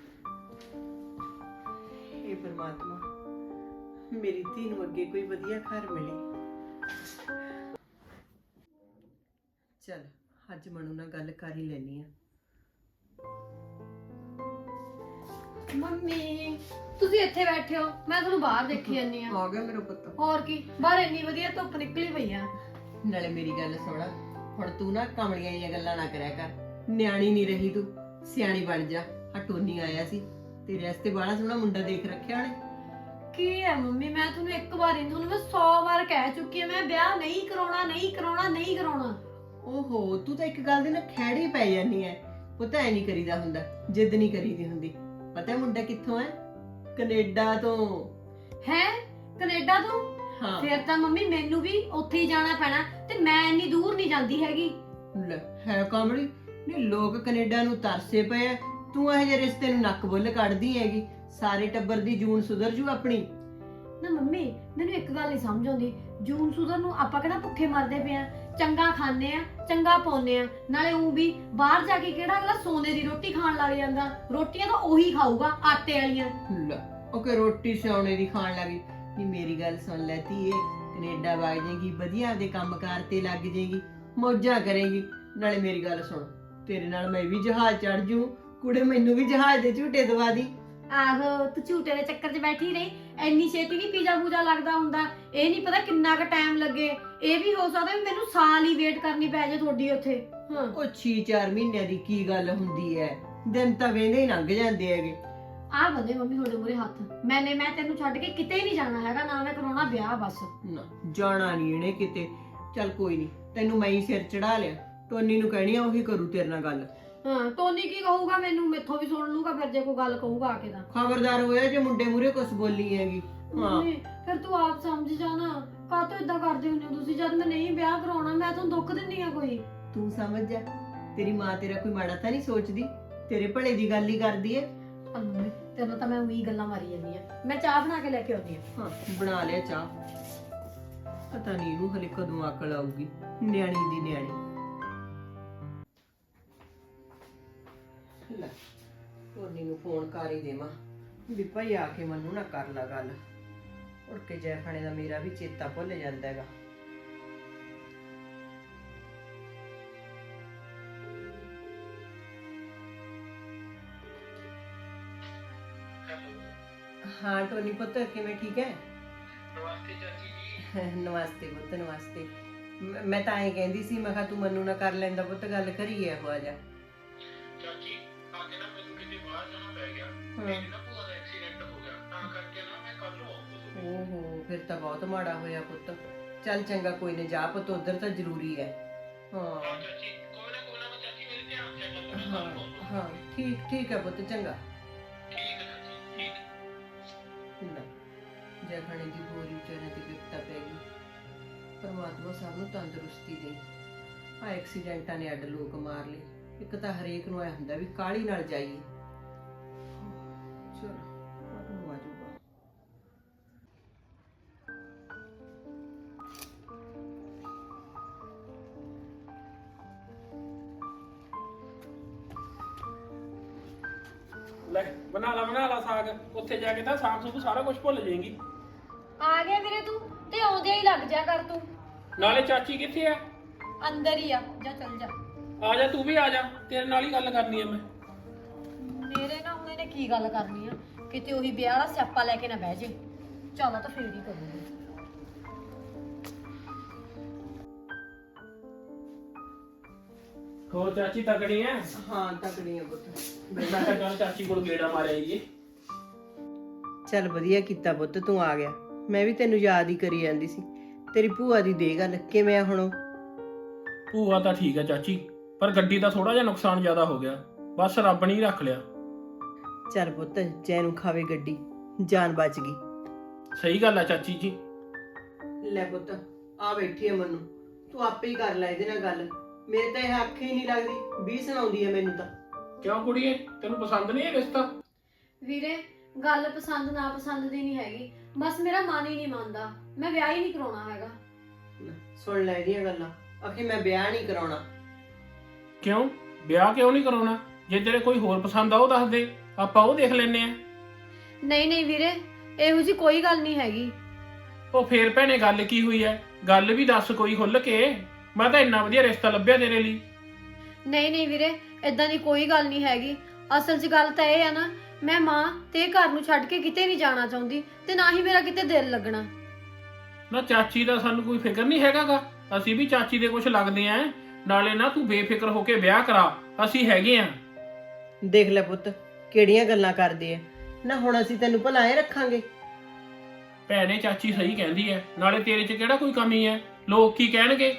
[SPEAKER 1] हे परमात्मा, ਮੇਰੀ ਧੀ ਨੂੰ ਅੱਗੇ ਕੋਈ ਵਧੀਆ ਘਰ ਮਿਲੇ। ਚਲ ਅੱਜ ਮਨੂ ਨਾਲ ਗੱਲ ਕਰ ਹੀ ਲੈਣੀ ਆ।
[SPEAKER 2] ਮੰਮੀ ਤੁਸੀਂ ਇੱਥੇ ਬੈਠੇ ਹੋ, ਮੈਂ ਤੁਹਾਨੂੰ ਬਾਹਰ ਦੇਖੀ ਜਾਂਦੀ ਆ।
[SPEAKER 1] ਆ ਗਿਆ ਮੇਰਾ ਪੁੱਤ।
[SPEAKER 2] ਹੋਰ ਕੀ, ਬਾਹਰ ਇੰਨੀ ਵਧੀਆ ਧੁੱਪ ਨਿਕਲੀ ਪਈ ਆ।
[SPEAKER 1] ਨਾਲੇ ਮੇਰੀ ਗੱਲ ਸੁਣ, ਹੁਣ ਤੂੰ ਨਾ ਕਮਲੀਆਂ ਜਿਹੀਆਂ ਗੱਲਾਂ ਨਾ ਕਰਿਆ ਕਰ, ਨਿਆਣੀ ਨਹੀਂ ਰਹੀ ਤੂੰ, ਸਿਆਣੀ ਬਣ ਜਾ। ਆ ਟੋਨੀ ਆਇਆ ਸੀ, ਤੇਰੇ ਵਾਸਤੇ ਬੜਾ ਸੋਹਣਾ ਮੁੰਡਾ ਦੇਖ ਰੱਖਿਆ ਉਹਨੇ।
[SPEAKER 2] ਕੀ ਹੈ ਮੰਮੀ, ਮੈਂ ਤੁਹਾਨੂੰ ਇੱਕ ਵਾਰ ਹੀ ਤੁਹਾਨੂੰ ਮੈਂ ਸੌ ਵਾਰ ਕਹਿ ਚੁੱਕੀ ਆ, ਮੈਂ ਵਿਆਹ ਨਹੀਂ ਕਰਾਉਣਾ ਨਹੀਂ ਕਰਾਉਣਾ ਨਹੀਂ ਕਰਾਉਣਾ।
[SPEAKER 1] ਓਹੋ ਤੂੰ ਤਾਂ ਇੱਕ ਗੱਲ ਦੇ ਨਾਲ ਖੈੜੀ ਪੈ ਜਾਨੀ ਐ। ਪੁੱਤ ਐ ਨਹੀਂ ਕਰੀਦਾ ਹੁੰਦਾ, ਜਿੱਦ ਨਹੀਂ ਕਰੀਦੀ ਹੁੰਦੀ। ਪਤਾ ਮੁੰਡਾ ਕਿੱਥੋਂ ਹੈ? ਕੈਨੇਡਾ ਤੋਂ।
[SPEAKER 2] ਹੈ ਕੈਨੇਡਾ ਤੋਂ?
[SPEAKER 1] ਹਾਂ
[SPEAKER 2] ਫਿਰ ਤਾਂ ਮੰਮੀ ਮੈਨੂੰ ਵੀ ਉੱਥੇ ਹੀ ਜਾਣਾ ਪੈਣਾ, ਤੇ ਮੈਂ ਇੰਨੀ ਦੂਰ ਨਹੀਂ ਜਾਂਦੀ ਹੈਗੀ।
[SPEAKER 1] ਲੈ ਹੈ ਕਮਲੀ, ਨਹੀਂ ਲੋਕ ਕੈਨੇਡਾ ਨੂੰ ਤਰਸੇ ਪਏ ਆ, ਤੂੰ ਇਹ ਜਿਹੇ ਰਿਸ਼ਤੇ ਨੂੰ ਨੱਕ ਬੁੱਲ ਕੱਢਦੀ ਹੈਗੀ। ਸਾਰੇ ਟੱਬਰ ਦੀ ਜੂਨ ਸੁਧਰ ਜੂ ਆਪਣੀ।
[SPEAKER 2] ਨਾ ਮੰਮੀ ਮੈਨੂੰ ਇੱਕ ਗੱਲ ਨਹੀਂ ਸਮਝ ਆਉਂਦੀ, ਜੂਨ ਸੁਧਰ ਨੂੰ ਆਪਾਂ ਕਿਹੜਾ ਭੁੱਖੇ ਮਰਦੇ ਪਏ ਆ? ਚੰਗਾ ਖਾਂਦੇ ਆ, ਚੰਗਾ ਪਾਉਂਦੇ ਆ, ਨਾਲੇ ਉਹ ਵੀ ਬਾਹਰ ਜਾ ਕੇ ਕਿਹੜਾ ਅਗਲਾ ਸੋਨੇ ਦੀ ਰੋਟੀ ਖਾਣ ਲੱਗ ਜਾਂਦਾ? ਰੋਟੀਆਂ ਤਾਂ ਉਹੀ ਖਾਊਗਾ ਆਟੇ ਵਾਲੀਆਂ।
[SPEAKER 1] ਲੈ ਉਹ ਕਿ ਰੋਟੀ ਸਿਆਉਣੇ ਦੀ ਖਾਣ ਲੱਗੀ। ਨਹੀਂ ਮੇਰੀ ਗੱਲ ਸੁਣ ਲੈ ਧੀਏ, ਕੈਨੇਡਾ ਵਗ ਜਾਏਗੀ, ਵਧੀਆ ਆਪਦੇ ਕੰਮਕਾਰ ਤੇ ਲੱਗ ਜਾਏਗੀ, ਮੌਜਾਂ ਕਰੇਗੀ। ਨਾਲੇ ਮੇਰੀ ਗੱਲ ਸੁਣ, ਤੇਰੇ ਨਾਲ ਮੈਂ ਵੀ ਜਹਾਜ਼ ਚੜ ਜੂ, ਕੁੜੇ ਮੈਨੂੰ ਵੀ ਜਹਾਜ਼ ਦੇ ਝੂਟੇ ਦਵਾ ਦੀ।
[SPEAKER 2] ਆਹੋ ਤੂੰ ਝੂਟੇ ਦੇ ਚੱਕਰ 'ਚ ਬੈਠੀ ਰਹੀ, ਐਨੀ ਛੇਤੀ ਨਹੀਂ ਪੀਜ਼ਾ ਪੂਜਾ ਲੱਗਦਾ ਹੁੰਦਾ। ਇਹ ਨਹੀਂ ਪਤਾ ਕਿੰਨਾ ਕੁ ਟਾਈਮ ਲੱਗੇ, ਇਹ ਵੀ ਹੋ ਸਕਦਾ ਵੀ ਮੈਨੂੰ ਸਾਲ ਹੀ ਵੇਟ ਕਰਨੀ ਪੈ ਜਾਏ ਤੁਹਾਡੀ ਉੱਥੇ। ਹਾਂ
[SPEAKER 1] ਉਹ ਛੇ ਚਾਰ ਮਹੀਨਿਆਂ ਦੀ ਕੀ ਗੱਲ ਹੁੰਦੀ ਹੈ, ਦਿਨ ਤਾਂ ਵੇਂਦੇ ਹੀ ਲੰਘ ਜਾਂਦੇ ਹੈਗੇ।
[SPEAKER 2] ਆਹ ਬੰਦੇ ਮੰਮੀ ਤੁਹਾਡੇ ਮੂਹਰੇ ਹੱਥ, ਮੈਨੇ ਮੈਂ ਤੈਨੂੰ ਛੱਡ ਕੇ ਕਿਤੇ ਨਹੀਂ ਜਾਣਾ ਹੈਗਾ, ਨਾ ਮੈਂ ਕਰਾਉਣਾ ਵਿਆਹ ਬਸ।
[SPEAKER 1] ਨਾ ਜਾਣਾ ਨਹੀਂ ਇਹਨੇ ਕਿਤੇ। ਚੱਲ ਕੋਈ ਨਹੀਂ, ਤੈਨੂੰ ਮੈਂ ਹੀ ਸਿਰ ਚੜਾ ਲਿਆ, ਟੋਨੀ ਨੂੰ ਕਹਿਣੀ ਆ ਉਹੀ ਕਰੂ ਤੇਰੇ ਨਾਲ ਗੱਲ।
[SPEAKER 2] ਹਾਂ ਟੋਨੀ ਕੀ ਕਹੂਗਾ ਮੈਨੂੰ, ਮੈਥੋਂ ਵੀ ਸੁਣ ਲੂਗਾ ਫਿਰ ਜੇ ਕੋਈ ਗੱਲ ਕਹੂਗਾ ਆ ਕੇ ਤਾਂ।
[SPEAKER 1] ਖਬਰਦਾਰ ਹੋਇਆ ਜੇ ਮੁੰਡੇ ਮੂਰੇ ਕੁਝ ਬੋਲੀ ਹੈਗੀ। ਹਾਂ
[SPEAKER 2] ਮੰਮੀ ਫਿਰ ਤੂੰ ਆਪ ਸਮਝ ਜਾਣਾ, ਕਾਹਤੋਂ ਇਦਾਂ ਕਰਦੇ ਹੁੰਦੇ ਹੋ ਤੁਸੀਂ? ਜਦ ਮੈਂ ਨਹੀਂ ਵਿਆਹ ਕਰਾਉਣਾ ਮੈਂ ਤੁਹਾਨੂੰ ਦੁੱਖ ਦਿੰਦੀ ਆ ਕੋਈ?
[SPEAKER 1] ਤੂੰ ਸਮਝ ਜਾ, ਤੇਰੀ ਮਾਂ ਤੇਰਾ ਕੋਈ ਮਾੜਾ ਤਾਂ ਨਹੀਂ ਸੋਚਦੀ, ਤੇਰੇ ਭਲੇ ਦੀ ਗੱਲ ਹੀ ਕਰਦੀ ਏ।
[SPEAKER 2] ਮੰਮੀ ਤੈਨੂੰ ਤਾਂ ਮੈਂ ਉਹੀ ਗੱਲਾਂ ਮਾਰੀ ਜਾਂਦੀ ਆ, ਮੈਂ ਚਾਹ ਬਣਾ ਕੇ ਲੈ ਕੇ ਆਉਂਦੀ ਆ।
[SPEAKER 1] ਹਾਂ ਬਣਾ ਲਿਆ ਚਾਹ। ਪਤਾ ਨਹੀਂ ਇਹਨੂੰ ਹਲੇ ਕਦੋਂ ਅਕਲ ਆਊਗੀ, ਨਿਆਣੀ ਦੀ ਨਿਆਣੀ। ਲੈ ਟੋਨੀ ਨੂੰ ਫੋਨ ਕਰ ਹੀ ਦੇਵਾਂ ਵੀ ਭਾਈ ਆ ਕੇ ਮੈਨੂੰ ਨਾ ਕਰ ਲਾ ਗੱਲ, ਉੜ ਕੇ ਜੈਫਾਣੇ ਦਾ ਮੇਰਾ ਵੀ ਚੇਤਾ ਭੁੱਲ ਜਾਂਦਾ ਹੈਗਾ। हाँ टोनी पुत्र किवें ठीक है?
[SPEAKER 3] ਨਮਸਤੇ ਚਾਚੀ ਜੀ।
[SPEAKER 1] नमस्ते पुत्र नमस्ते। मैं- मैं ਤਾਂ ਐਂ ਕਹਿੰਦੀ ਸੀ, ਮੈਂ ਕਿਹਾ ਤੂੰ ਮੰਨੂ ਨਾ ਕਰ ਲੈਂਦਾ ਪੁੱਤ, ਗੱਲ ਕਰੀਏ ਹੋ ਜਾ।
[SPEAKER 3] ਚਾਚੀ ਆ ਕੇ ਨਾ ਮੈਨੂੰ ਕਿਤੇ ਬਾਹਰ ਜਾਣਾ ਪੈ ਗਿਆ,
[SPEAKER 1] ਹਾਂ।
[SPEAKER 3] ਮੇਰੀ ਨਾ ਭੂਆ ਦਾ ਐਕਸੀਡੈਂਟ ਹੋ ਗਿਆ, ਤਾਂ ਕਰਕੇ ਨਾ ਮੈਂ ਕੱਲ ਨੂੰ ਆਉਂਗਾ।
[SPEAKER 1] ਓਹੋ ਫਿਰ ਤਾਂ ਬਹੁਤ ਮਾੜਾ ਹੋਇਆ ਪੁੱਤ। ਚੱਲ ਚੰਗਾ ਕੋਈ ਨਾ, ਜਾ ਪੁੱਤ ਉਧਰ ਤਾਂ ਜ਼ਰੂਰੀ ਹੈ। ਹਾਂ
[SPEAKER 3] ਚਾਚੀ ਕੋਈ ਨਾ ਕੋਈ ਨਾ ਚਾਚੀ, ਮੇਰੇ ਧਿਆਨ ਚ ਗੱਲ
[SPEAKER 1] ਹਾਂ ਹਾਂ ਠੀਕ ਠੀਕ ਹੈ ਪੁੱਤ, ਚੰਗਾ। ਲੈ, ਜੇ ਖਾਣੇ ਦੀ ਗੋਰੀ ਵਿਚਾਰੇ ਤੇ ਵਿਪਤਾ ਪੈ ਗਈ। ਪਰਮਾਤਮਾ ਸਭ ਨੂੰ ਤੰਦਰੁਸਤੀ ਦੇ। ਆ ਐਕਸੀਡੈਂਟਾਂ ਨੇ ਅੱਡ ਲੋਕ ਮਾਰ ਲਏ। ਇੱਕ ਤਾਂ ਹਰੇਕ ਨੂੰ ਐ ਹੁੰਦਾ ਵੀ ਕਾਹਲੀ ਨਾਲ ਜਾਈਏ। ਚਲੋ ਆ ਜਾਊਗਾ।
[SPEAKER 3] ਲੈ ਬਣਾ ਲਾ ਬਣਾ ਲਾ ਸਾਗ। ਉੱਥੇ ਜਾ ਕੇ ਤਾਂ ਸਾਗ ਸੂਗ ਸਾਰਾ ਕੁਝ ਭੁੱਲ ਜਾਏਂਗੀ।
[SPEAKER 2] ਆ ਗਿਆ ਵੀਰੇ ਤੂੰ, ਤੇ ਆਉਂਦਿਆਂ ਹੀ ਲੱਗ ਜਾ ਕਰ ਤੂੰ।
[SPEAKER 3] ਨਾਲੇ ਚਾਚੀ ਕਿੱਥੇ ਆ?
[SPEAKER 2] ਅੰਦਰ ਹੀ ਆ, ਜਾ ਚੱਲ ਜਾ।
[SPEAKER 3] ਆ ਜਾ ਤੂੰ ਵੀ ਆ ਜਾ, ਤੇਰੇ ਨਾਲ ਹੀ ਗੱਲ ਕਰਨੀ ਆ ਮੈਂ।
[SPEAKER 2] ਮੇਰੇ ਨਾਲ ਹੁਣ ਇਹਨੇ ਕੀ ਗੱਲ ਕਰਨੀ ਆ? ਕਿਤੇ ਉਹੀ ਵਿਆਹ ਵਾਲਾ ਸਿਆਪਾ ਲੈ ਕੇ ਨਾ ਬਹਿ ਜੇ। ਚੱਲ ਤਾਂ ਫੇਰ ਹੀ ਕਰੂੰਗੀ।
[SPEAKER 3] ਹੋਰ ਚਾਚੀ ਤਕੜੀ ਐ?
[SPEAKER 1] ਹਾਂ ਤਕੜੀ ਆ ਪੁੱਤ।
[SPEAKER 3] ਮੈਂ ਕਿਹਾ ਚੱਲ ਚਾਚੀ ਕੋਲ ਗੇੜਾ ਮਾਰਿਆ ਜੀ।
[SPEAKER 1] ਚੱਲ ਵਧੀਆ ਕੀਤਾ ਪੁੱਤ, ਤੂੰ ਆ ਗਿਆ। ਮੈਂ ਵੀ ਤੈਨੂੰ ਯਾਦ ਹੀ ਕਰੀ ਜਾਂਦੀ ਸੀ। ਤੇਰੀ ਭੂਆ ਦੀ ਦੇ ਗੱਲ ਕਿਵੇਂ ਆ ਹੁਣ?
[SPEAKER 3] ਭੂਆ ਤਾਂ ਠੀਕ ਹੈ ਚਾਚੀ, ਪਰ ਗੱਡੀ ਦਾ ਥੋੜਾ ਜਿਹਾ ਨੁਕਸਾਨ ਜ਼ਿਆਦਾ ਹੋ ਗਿਆ। ਬਸ ਰੱਬ ਨੇ ਹੀ ਰੱਖ ਲਿਆ।
[SPEAKER 1] ਚੱਲ ਪੁੱਤ, ਜੈ ਨੂੰ ਖਾਵੇ ਗੱਡੀ, ਜਾਨ ਬਚ ਗਈ।
[SPEAKER 3] ਸਹੀ ਗੱਲ ਹੈ ਚਾਚੀ ਜੀ।
[SPEAKER 1] ਲੈ ਪੁੱਤ, ਆ ਬੈਠੀ ਆ ਮਨੂੰ, ਤੂੰ ਆਪੇ ਹੀ ਕਰ ਲੈ ਇਹਦੇ ਨਾਲ ਗੱਲ। ਮੇਰੇ ਤਾਂ ਇਹ ਅੱਖ ਹੀ ਨਹੀਂ ਲੱਗਦੀ, ਵੀ ਸੁਣਾਉਂਦੀ ਹੈ ਮੈਨੂੰ ਤਾਂ।
[SPEAKER 3] ਕਿਉਂ ਕੁੜੀਏ, ਤੈਨੂੰ ਪਸੰਦ ਨਹੀਂ ਇਹ ਰਿਸ਼ਤਾ?
[SPEAKER 2] ਵੀਰੇ ਗੱਲ ਪਸੰਦ ਨਾ ਪਸੰਦ ਦੀ ਨਹੀਂ ਹੈਗੀ, ਬਸ ਮੇਰਾ ਮਨ ਹੀ ਨਹੀਂ ਮੰਨਦਾ। ਮੈਂ ਵਿਆਹ ਹੀ ਨਹੀਂ ਕਰਾਉਣਾ ਹੈਗਾ।
[SPEAKER 1] ਲੈ, ਸੁਣ ਲੈ ਇਹਦੀਆਂ ਗੱਲਾਂ। ਆਖੇ ਮੈਂ ਵਿਆਹ ਨਹੀਂ ਕਰਾਉਣਾ।
[SPEAKER 3] ਕਿਉਂ ਵਿਆਹ ਕਿਉਂ ਨਹੀਂ ਕਰਾਉਣਾ? ਜੇ ਤੇਰੇ ਕੋਈ ਹੋਰ ਪਸੰਦ ਆ ਉਹ ਦੱਸ ਦੇ, ਆਪਾਂ ਉਹ ਦੇਖ ਲੈਨੇ ਆ।
[SPEAKER 2] ਨਹੀਂ ਨਹੀਂ ਵੀਰੇ, ਇਹੋ ਜੀ ਕੋਈ ਗੱਲ ਨਹੀਂ ਹੈਗੀ।
[SPEAKER 3] ਉਹ ਫੇਰ ਭੈਣੇ ਗੱਲ ਕੀ ਹੋਈ ਐ? ਗੱਲ ਵੀ ਦੱਸ ਕੋਈ ਖੁੱਲ ਕੇ। ਮੈਂ ਤਾਂ ਇੰਨਾ ਵਧੀਆ ਰਿਸ਼ਤਾ ਲੱਭਿਆ ਤੇਰੇ ਲਈ।
[SPEAKER 2] ਨਹੀਂ ਨਹੀਂ ਵੀਰੇ, ਇਦਾਂ ਦੀ ਕੋਈ ਗੱਲ ਨਹੀਂ ਹੈਗੀ। ਅਸਲ 'ਚ ਗੱਲ ਤਾਂ ਇਹ ਆ ਨਾ, ਮੈਂ ਮਾਂ ਤੇ ਘਰ ਨੂੰ ਛੱਡ ਕੇ ਕਿਤੇ ਨਹੀਂ ਜਾਣਾ ਚਾਹੁੰਦੀ, ਤੇ ਨਾ ਹੀ ਮੇਰਾ ਕਿਤੇ ਦਿਲ ਲੱਗਣਾ।
[SPEAKER 3] ਨਾ ਚਾਚੀ ਦਾ ਸਾਨੂੰ ਕੋਈ ਫਿਕਰ ਨਹੀਂ ਹੈਗਾਗਾ। ਅਸੀਂ ਵੀ ਚਾਚੀ ਦੇ ਕੁਝ ਲੱਗਦੇ ਆਂ। ਨਾਲੇ ਨਾ ਤੂੰ ਬੇਫਿਕਰ ਹੋ ਕੇ ਵਿਆਹ ਕਰਾ, ਅਸੀਂ ਹੈਗੇ ਆਂ।
[SPEAKER 1] ਦੇਖ ਲੈ ਪੁੱਤ, ਕਿਹੜੀਆਂ ਗੱਲਾਂ ਕਰਦੇ ਆ ਨਾ। ਹੁਣ ਅਸੀਂ ਤੈਨੂੰ ਭਲਾਏ ਰੱਖਾਂਗੇ।
[SPEAKER 3] ਭੈਣੇ ਚਾਚੀ ਸਹੀ ਕਹਿੰਦੀ ਐ, ਨਾਲੇ ਤੇਰੇ 'ਚ ਕਿਹੜਾ ਕੋਈ ਕਮੀ ਐ? ਲੋਕ ਕੀ ਕਹਿਣਗੇ?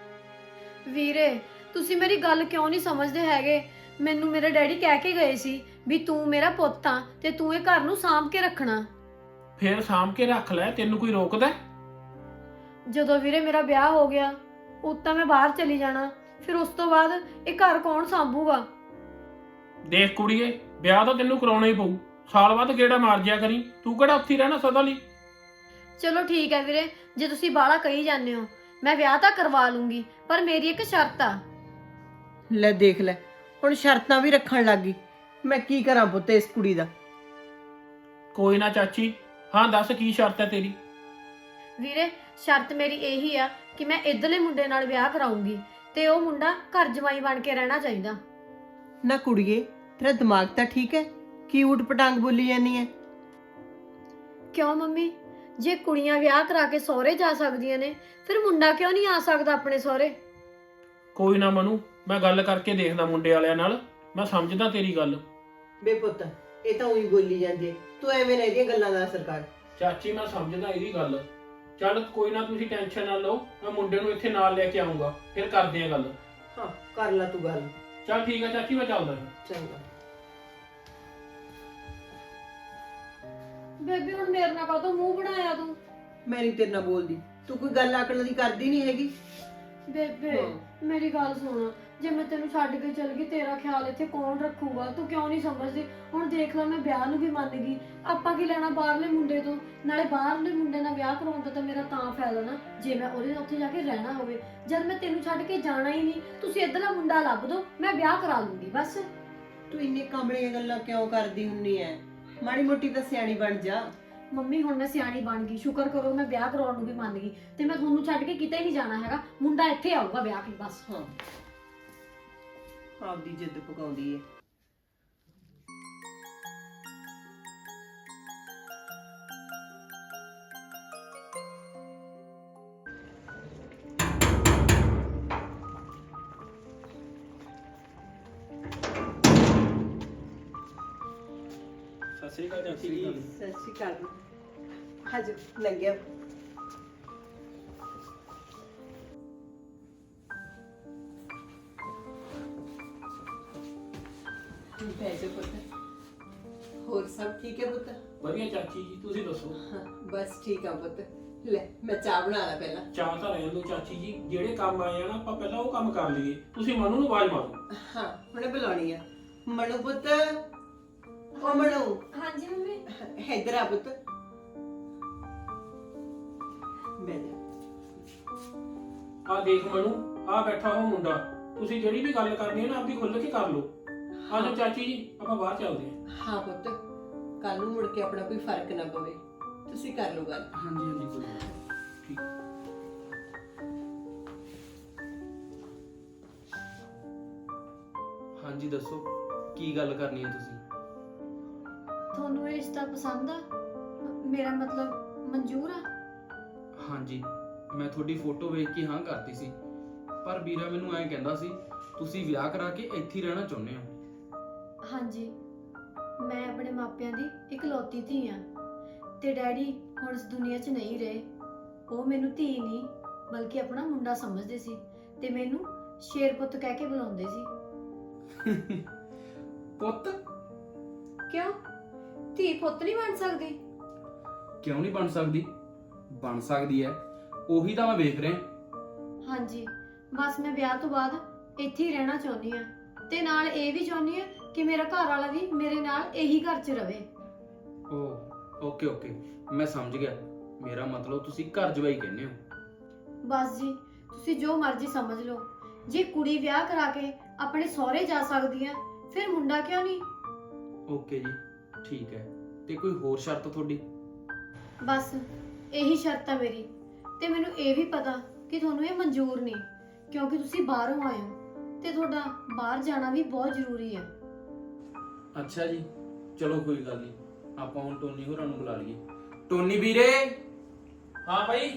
[SPEAKER 2] ਵੀਰੇ ਤੁਸੀਂ ਮੇਰੀ ਗੱਲ ਕਿਉਂ ਨਹੀਂ ਸਮਝਦੇ ਹੈਗੇ? ਮੈਨੂੰ ਮੇਰੇ ਡੈਡੀ ਕਹਿ ਕੇ ਗਏ ਸੀ ਵੀ ਤੂੰ ਮੇਰਾ ਪੁੱਤ ਆ ਤੇ ਤੂੰ ਇਹ ਘਰ ਨੂੰ ਸਾਂਭ ਕੇ ਰੱਖਣਾ।
[SPEAKER 3] ਫੇਰ ਸਾਂਭ ਕੇ ਰੱਖ ਲੈ, ਤੈਨੂੰ ਕੋਈ ਰੋਕਦਾ?
[SPEAKER 2] ਜਦੋਂ ਵੀਰੇ ਮੇਰਾ ਵਿਆਹ ਹੋ ਗਿਆ, ਉਦੋਂ ਤਾਂ ਮੈਂ ਬਾਹਰ ਚਲੀ ਜਾਣਾ, ਫਿਰ ਉਸ ਤੋਂ ਬਾਅਦ ਇਹ ਘਰ ਕੌਣ ਸਾਂਭੂਗਾ?
[SPEAKER 3] ਦੇਖ ਕੁੜੀਏ, ਵਿਆਹ ਤਾਂ ਤੈਨੂੰ ਕਰਾਉਣਾ ਹੀ ਪਊ। ਸਾਲ ਬਾਅਦ ਗੇੜਾ ਮਾਰ ਜਿਆ ਕਰੀ, ਤੂੰ ਕਿਹੜਾ ਉੱਥੇ ਰਹਿਣਾ ਸਦਾ ਲਈ।
[SPEAKER 2] ਚਲੋ ਠੀਕ ਹੈ ਵੀਰੇ, ਜੇ ਤੁਸੀਂ ਬਾਹਲਾ ਕਹੀ ਜਾਂਦੇ ਹੋ, ਮੈਂ ਵਿਆਹ ਤਾਂ ਕਰਵਾ ਲੂੰਗੀ, ਪਰ ਮੇਰੀ ਇੱਕ ਸ਼ਰਤ ਆ।
[SPEAKER 1] ਲੈ ਦੇਖ ਲੈ, ਹੁਣ ਸ਼ਰਤਾਂ ਵੀ ਰੱਖਣ ਲੱਗ ਗਈ। ਮੈਂ ਕੀ ਕਰਾਂ ਪੁੱਤ ਇਸ ਕੁੜੀ ਦਾ?
[SPEAKER 3] ਕੋਈ ਨਾ ਚਾਚੀ, ਹਾਂ ਦੱਸ ਕੀ ਸ਼ਰਤ ਹੈ ਤੇਰੀ?
[SPEAKER 2] ਵੀਰੇ ਸ਼ਰਤ ਮੇਰੀ ਇਹੀ ਆ ਕਿ ਮੈਂ ਇੱਧਰਲੇ ਮੁੰਡੇ ਨਾਲ ਵਿਆਹ ਕਰਾਉਂਗੀ, ਤੇ ਉਹ ਮੁੰਡਾ ਘਰ ਜਮਾਈ ਬਣ ਕੇ ਰਹਿਣਾ ਚਾਹੀਦਾ।
[SPEAKER 1] ਨਾ ਕੁੜੀਏ, ਤੇਰਾ ਦਿਮਾਗ ਤਾਂ ਠੀਕ ਹੈ? ਕੀ ਊਟ ਪਟਾਂਗ ਬੋਲੀ ਜਾਂਦੀ ਹੈ?
[SPEAKER 2] ਕਿਉਂ ਮੰਮੀ, ਜੇ ਕੁੜੀਆਂ ਵਿਆਹ ਕਰਾ ਕੇ ਸਹੁਰੇ ਜਾ ਸਕਦੀਆਂ ਨੇ, ਫਿਰ ਮੁੰਡਾ ਕਿਉਂ ਨਹੀਂ ਆ ਸਕਦਾ ਆਪਣੇ ਸਹੁਰੇ?
[SPEAKER 3] ਕੋਈ ਨਾ ਮਨੂ, ਮੈਂ ਗੱਲ ਕਰਕੇ ਦੇਖਦਾ ਮੁੰਡੇ ਵਾਲਿਆਂ ਨਾਲ। ਮੈਂ ਸਮਝਦਾ ਤੇਰੀ ਗੱਲ।
[SPEAKER 1] ਬੇ ਪੁੱਤ, ਇਹ ਤਾਂ ਉਹੀ ਬੋਲੀ ਜਾਂਦੀ ਹੈ। ਤੂੰ ਐਵੇਂ ਨਾ ਇਹਦੀਆਂ ਗੱਲਾਂ ਦਾ ਅਸਰ ਕਰ।
[SPEAKER 3] ਚਾਚੀ ਮੈਂ ਸਮਝਦਾ ਇਹਦੀ ਗੱਲ। ਚੱਲ ਕੋਈ ਨਾ, ਤੁਸੀਂ ਟੈਨਸ਼ਨ ਨਾ ਲਓ। ਮੈਂ ਮੁੰਡੇ ਨੂੰ ਇੱਥੇ ਨਾਲ ਲੈ ਕੇ ਆਉਂਗਾ, ਫਿਰ ਕਰਦੇ ਆਂ ਗੱਲ।
[SPEAKER 1] ਹਾਂ ਕਰ ਲੈ ਤੂੰ ਗੱਲ।
[SPEAKER 3] ਚੱਲ ਠੀਕ ਆ ਚਾਚੀ, ਮੈਂ ਚੱਲਦਾ।
[SPEAKER 1] ਚੰਗਾ।
[SPEAKER 2] ਬੇਬੀ ਹੁਣ ਮੇਰੇ ਨਾਲ ਕਾਹਤੋਂ ਮੂੰਹ ਬਣਾਇਆ ਤੂੰ?
[SPEAKER 1] ਮੈਂ ਨਹੀਂ ਤੇਰੇ ਨਾਲ ਬੋਲਦੀ। ਤੂੰ ਕੋਈ ਗੱਲ ਆਕਣ ਦੀ ਕਰਦੀ ਨਹੀਂ ਹੈਗੀ।
[SPEAKER 2] ਬੇਬੇ
[SPEAKER 1] ਹਾਂ।
[SPEAKER 2] ਮੇਰੀ ਗੱਲ ਸੁਣ, ਜੇ ਮੈਂ ਤੈਨੂੰ ਛੱਡ ਕੇ ਚਲ ਗਈ, ਤੇਰਾ ਖਿਆਲ ਇੱਥੇ ਕੌਣ ਰੱਖੂਗਾ? ਤੂੰ ਕਿਉਂ ਨਹੀਂ ਸਮਝਦੀ? ਹੁਣ ਦੇਖ ਲੈ, ਮੈਂ ਵਿਆਹ ਨੂੰ ਵੀ ਮੰਨ ਗਈ। ਆਪਾਂ ਕੀ ਲੈਣਾ ਬਾਹਰਲੇ ਮੁੰਡੇ ਤੋਂ? ਨਾਲੇ ਬਾਹਰਲੇ ਮੁੰਡੇ ਨਾਲ ਵਿਆਹ ਕਰਾਉਣ ਦਾ ਤਾਂ ਮੇਰਾ ਤਾਂ ਫਾਇਦਾ ਨਾ, ਜੇ ਮੈਂ ਉਹਦੇ ਨਾਲ ਉੱਥੇ ਜਾ ਕੇ ਰਹਿਣਾ ਹੋਵੇ। ਜਦ ਮੈਂ ਤੈਨੂੰ ਛੱਡ ਕੇ ਜਾਣਾ ਹੀ ਨਹੀਂ, ਤੁਸੀਂ ਇੱਧਰਲਾ ਮੁੰਡਾ ਲੱਭ ਦੋ, ਮੈਂ ਵਿਆਹ ਕਰਾ ਲੂੰਗੀ ਬਸ।
[SPEAKER 1] ਤੂੰ ਇੰਨੇ ਕਮਲੀਆਂ ਗੱਲਾਂ ਕਿਉਂ ਕਰਦੀ ਹੁੰਨੀ ਐ? ਮਾੜੀ ਮੋਟੀ ਤਾਂ ਸਿਆਣੀ ਬਣ ਜਾ।
[SPEAKER 2] ਮੰਮੀ ਹੁਣ ਮੈਂ ਸਿਆਣੀ ਬਣ ਗਈ, ਸ਼ੁਕਰ ਕਰੋ ਮੈਂ ਵਿਆਹ ਕਰਾਉਣ ਨੂੰ ਵੀ ਮੰਨ ਗਈ, ਤੇ ਮੈਂ ਤੁਹਾਨੂੰ ਛੱਡ ਕੇ ਕਿਤੇ ਨਹੀਂ ਜਾਣਾ ਹੈਗਾ। ਮੁੰਡਾ ਇੱਥੇ ਆਊਗਾ ਵਿਆਹ ਕੇ ਬਸ।
[SPEAKER 1] ਹਾਂ, ਆਪਦੀ ਜਿੱਦ ਪਕਾਉਂਦੀ ਏ।
[SPEAKER 3] ਸਤਿ ਸ੍ਰੀ ਅਕਾਲ ਚਾਚੀ ਜੀ।
[SPEAKER 1] ਸਤਿ ਸ਼੍ਰੀ ਅਕਾਲ। ਹਾਜੋ ਲੰਘਿਆ। ਬਹਿ ਜਾ ਪੁੱਤ। ਹੋਰ ਸਭ ਠੀਕ ਹੈ ਪੁੱਤ?
[SPEAKER 3] ਵਧੀਆ ਚਾਚੀ ਜੀ, ਤੁਸੀਂ ਦੱਸੋ।
[SPEAKER 1] ਹਾਂ ਬਸ ਠੀਕ ਆ ਪੁੱਤ। ਲੈ ਮੈਂ ਚਾਹ ਬਣਾ ਲਾ ਪਹਿਲਾਂ।
[SPEAKER 3] ਚਾਹ ਤਾਂ ਰਹਿਣ ਦਿਓ ਚਾਚੀ ਜੀ, ਜਿਹੜੇ ਕੰਮ ਆਏ ਆ ਨਾ ਆਪਾਂ ਪਹਿਲਾਂ ਉਹ ਕੰਮ ਕਰ ਲਈਏ। ਤੁਸੀਂ ਮਨੂ ਨੂੰ ਆਵਾਜ਼ ਮਾਰੋ।
[SPEAKER 1] ਹਾਂ ਹੁਣੇ ਬੁਲਾਉਣੀ ਆ। ਮਨੂ ਪੁੱਤ, ਓ ਮਨੂ,
[SPEAKER 2] ਹਾਂਜੀ ਮੰਮੀ।
[SPEAKER 1] ਇੱਧਰ ਆ ਪੁੱਤ। ਬਹਿ ਜਾ।
[SPEAKER 3] ਆ ਦੇਖ ਮਨੂ, ਆ ਬੈਠਾ ਉਹ ਮੁੰਡਾ। ਤੁਸੀਂ ਜਿਹੜੀ ਵੀ ਗੱਲ ਕਰਨੀ ਹੈ ਨਾ ਆਪਦੀ ਖੁੱਲ੍ਹ ਕੇ ਕਰ ਲਓ। ਆ ਜਾਓ ਚਾਚੀ ਜੀ, ਆਪਾਂ ਬਾਹਰ ਚੱਲਦੇ ਹਾਂ।
[SPEAKER 1] ਹਾਂ ਪੁੱਤ, ਕੱਲ ਨੂੰ ਮੁੜ ਕੇ ਆਪਣਾ ਕੋਈ ਫਰਕ ਨਾ ਪਵੇ। ਤੁਸੀਂ ਕਰ ਲਓ ਗੱਲ।
[SPEAKER 3] ਹਾਂਜੀ ਹਾਂਜੀ ਕੋਈ ਗੱਲ ਨਹੀਂ। ਠੀਕ।
[SPEAKER 4] ਹਾਂਜੀ ਦੱਸੋ, ਕੀ ਗੱਲ ਕਰਨੀ ਹੈ ਤੁਸੀਂ?
[SPEAKER 2] ਤੁਹਾਨੂੰ ਇਹ ਰਿਸ਼ਤਾ ਪਸੰਦ ਆ? ਮੇਰਾ ਮਤਲਬ ਮਨਜ਼ੂਰ ਆ?
[SPEAKER 4] ਹਾਂਜੀ, ਮੈਂ ਤੁਹਾਡੀ ਫੋਟੋ ਵੇਖ ਕੇ ਹਾਂ ਕਰਤੀ ਸੀ, ਪਰ ਵੀਰਾ ਮੈਨੂੰ ਐਂ ਕਹਿੰਦਾ ਸੀ ਤੁਸੀਂ ਵਿਆਹ ਕਰਾ ਕੇ ਇੱਥੇ ਹੀ ਰਹਿਣਾ ਚਾਹੁੰਦੇ ਹੋ।
[SPEAKER 2] ਹਾਂਜੀ, ਮੈਂ ਆਪਣੇ ਮਾਪਿਆਂ ਦੀ ਇਕਲੌਤੀ ਧੀ ਆ ਤੇ ਡੈਡੀ ਹੁਣ ਇਸ ਦੁਨੀਆ 'ਚ ਨਹੀਂ ਰਹੇ। ਉਹ ਮੈਨੂੰ ਧੀ ਨਹੀਂ ਬਲਕਿ ਆਪਣਾ ਮੁੰਡਾ ਸਮਝਦੇ ਸੀ ਤੇ ਮੈਨੂੰ ਸ਼ੇਰ ਪੁੱਤ ਕਹਿ ਕੇ ਬੁਲਾਉਂਦੇ ਸੀ।
[SPEAKER 4] ਪੁੱਤ?
[SPEAKER 2] ਕਿਉਂ? ਧੀ ਪੁੱਤ ਨਹੀਂ ਬਣ ਸਕਦੀ?
[SPEAKER 4] ਕਿਉਂ ਨਹੀਂ ਬਣ ਸਕਦੀ? ਬਣ ਸਕਦੀ ਹੈ, ਉਹੀ ਤਾਂ ਮੈਂ ਵੇਖ ਰਿਹਾ।
[SPEAKER 2] ਹਾਂਜੀ, ਬਸ ਮੈਂ ਵਿਆਹ ਤੋਂ ਬਾਅਦ ਇੱਥੇ ਹੀ ਰਹਿਣਾ ਚਾਹੁੰਦੀ ਆ ਤੇ ਨਾਲ ਇਹ ਵੀ ਚਾਹੁੰਦੀ ਆ ਕਿ ਮੇਰਾ ਘਰ ਵਾਲਾ ਵੀ ਮੇਰੇ ਨਾਲ ਇਹੀ ਘਰ 'ਚ ਰਵੇ।
[SPEAKER 4] ਓ ਓਕੇ ਓਕੇ, ਮੈਂ ਸਮਝ ਗਿਆ। ਮੇਰਾ ਮਤਲਬ ਤੁਸੀਂ ਘਰ ਜਵਾਈ ਕਹਿੰਦੇ ਹੋ।
[SPEAKER 2] ਬਸ ਜੀ, ਤੁਸੀਂ ਜੋ ਮਰਜ਼ੀ ਸਮਝ ਲਓ। ਜੇ ਕੁੜੀ ਵਿਆਹ ਕਰਾ ਕੇ ਆਪਣੇ ਸਹੁਰੇ ਜਾ ਸਕਦੀ ਆ, ਫਿਰ ਮੁੰਡਾ ਕਿਉਂ ਨਹੀਂ?
[SPEAKER 4] ਓਕੇ ਜੀ, ਠੀਕ ਹੈ। ਤੇ ਕੋਈ ਹੋਰ ਸ਼ਰਤ ਤੁਹਾਡੀ?
[SPEAKER 2] ਬਸ ਇਹੀ ਸ਼ਰਤ ਆ ਮੇਰੀ। ਤੇ ਮੈਨੂੰ ਇਹ ਵੀ ਪਤਾ ਕਿ ਤੁਹਾਨੂੰ ਇਹ ਮਨਜ਼ੂਰ ਨਹੀਂ, ਕਿਉਂਕਿ ਤੁਸੀਂ ਬਾਹਰੋਂ ਆਏ ਹੋ ਤੇ ਤੁਹਾਡਾ ਬਾਹਰ ਜਾਣਾ ਵੀ ਬਹੁਤ ਜ਼ਰੂਰੀ ਹੈ।
[SPEAKER 4] ਅੱਛਾ ਜੀ, ਚਲੋ ਕੋਈ ਗੱਲ ਨਹੀਂ, ਆਪਾਂ ਹੁਣ ਟੋਨੀ ਹੋਰਾਂ ਨੂੰ ਬੁਲਾ ਲਈਏ। ਟੋਨੀ ਵੀਰੇ।
[SPEAKER 3] ਹਾਂ ਭਾਈ।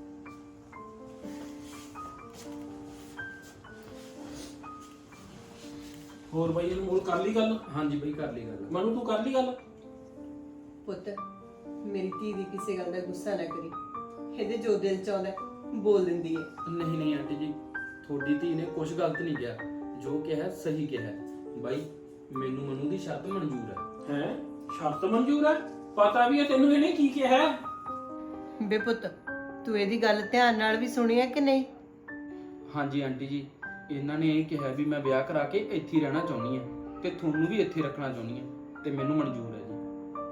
[SPEAKER 3] ਹੋਰ ਭਾਈ ਅਨਮੋਲ ਕਰ ਲਈ ਗੱਲ?
[SPEAKER 4] ਹਾਂਜੀ ਬਈ, ਕਰ ਲਈ ਗੱਲ।
[SPEAKER 3] ਮਨੂ ਤੂੰ ਕਰ ਲਈ ਗੱਲ?
[SPEAKER 1] ਪੁੱਤ, ਮੇਰੀ ਧੀ ਦੀ ਕਿਸੇ ਗੱਲ ਦਾ ਗੁੱਸਾ ਨਾ ਕਰੀ। ਇਹਦੇ ਜੋ ਦਿਲ ਚ ਆਉਂਦਾ ਬੋਲ ਦਿੰਦੀ ਹੈ।
[SPEAKER 4] ਨਹੀਂ ਨਹੀਂ ਆਂਟੀ ਜੀ, ਤੁਹਾਡੀ ਧੀ ਨੇ ਕੁਝ ਗਲਤ ਨਹੀਂ ਕਿਹਾ, ਜੋ ਕਿਹਾ ਸਹੀ ਕਿਹਾ। ਬਾਈ, ਮੈਨੂੰ ਮਨੂ ਦੀ ਸ਼ਰਤ ਮਨਜ਼ੂਰ ਹੈ।
[SPEAKER 3] ਹੈ ਸ਼ਰਤ ਮਨਜ਼ੂਰ ਹੈ? ਪਤਾ ਵੀ ਹੈ ਤੈਨੂੰ ਇਹਨੇ ਕੀ ਕਿਹਾ ਹੈ?
[SPEAKER 1] ਬੇ ਪੁੱਤ, ਤੂੰ ਇਹਦੀ ਗੱਲ ਧਿਆਨ ਨਾਲ ਵੀ ਸੁਣੀ ਹੈ ਕਿ ਨਹੀਂ?
[SPEAKER 4] ਹਾਂਜੀ ਆਂਟੀ ਜੀ, ਇਹਨਾਂ ਨੇ ਇਹ ਕਿਹਾ ਵੀ ਮੈਂ ਵਿਆਹ ਕਰਾ ਕੇ ਇੱਥੇ ਹੀ ਰਹਿਣਾ ਚਾਹੁੰਦੀ ਹਾਂ ਤੇ ਤੁਹਾਨੂੰ ਵੀ ਇੱਥੇ ਰੱਖਣਾ ਚਾਹੁੰਦੀ ਹਾਂ ਤੇ ਮੈਨੂੰ ਮਨਜ਼ੂਰ ਹੈ ਜੀ।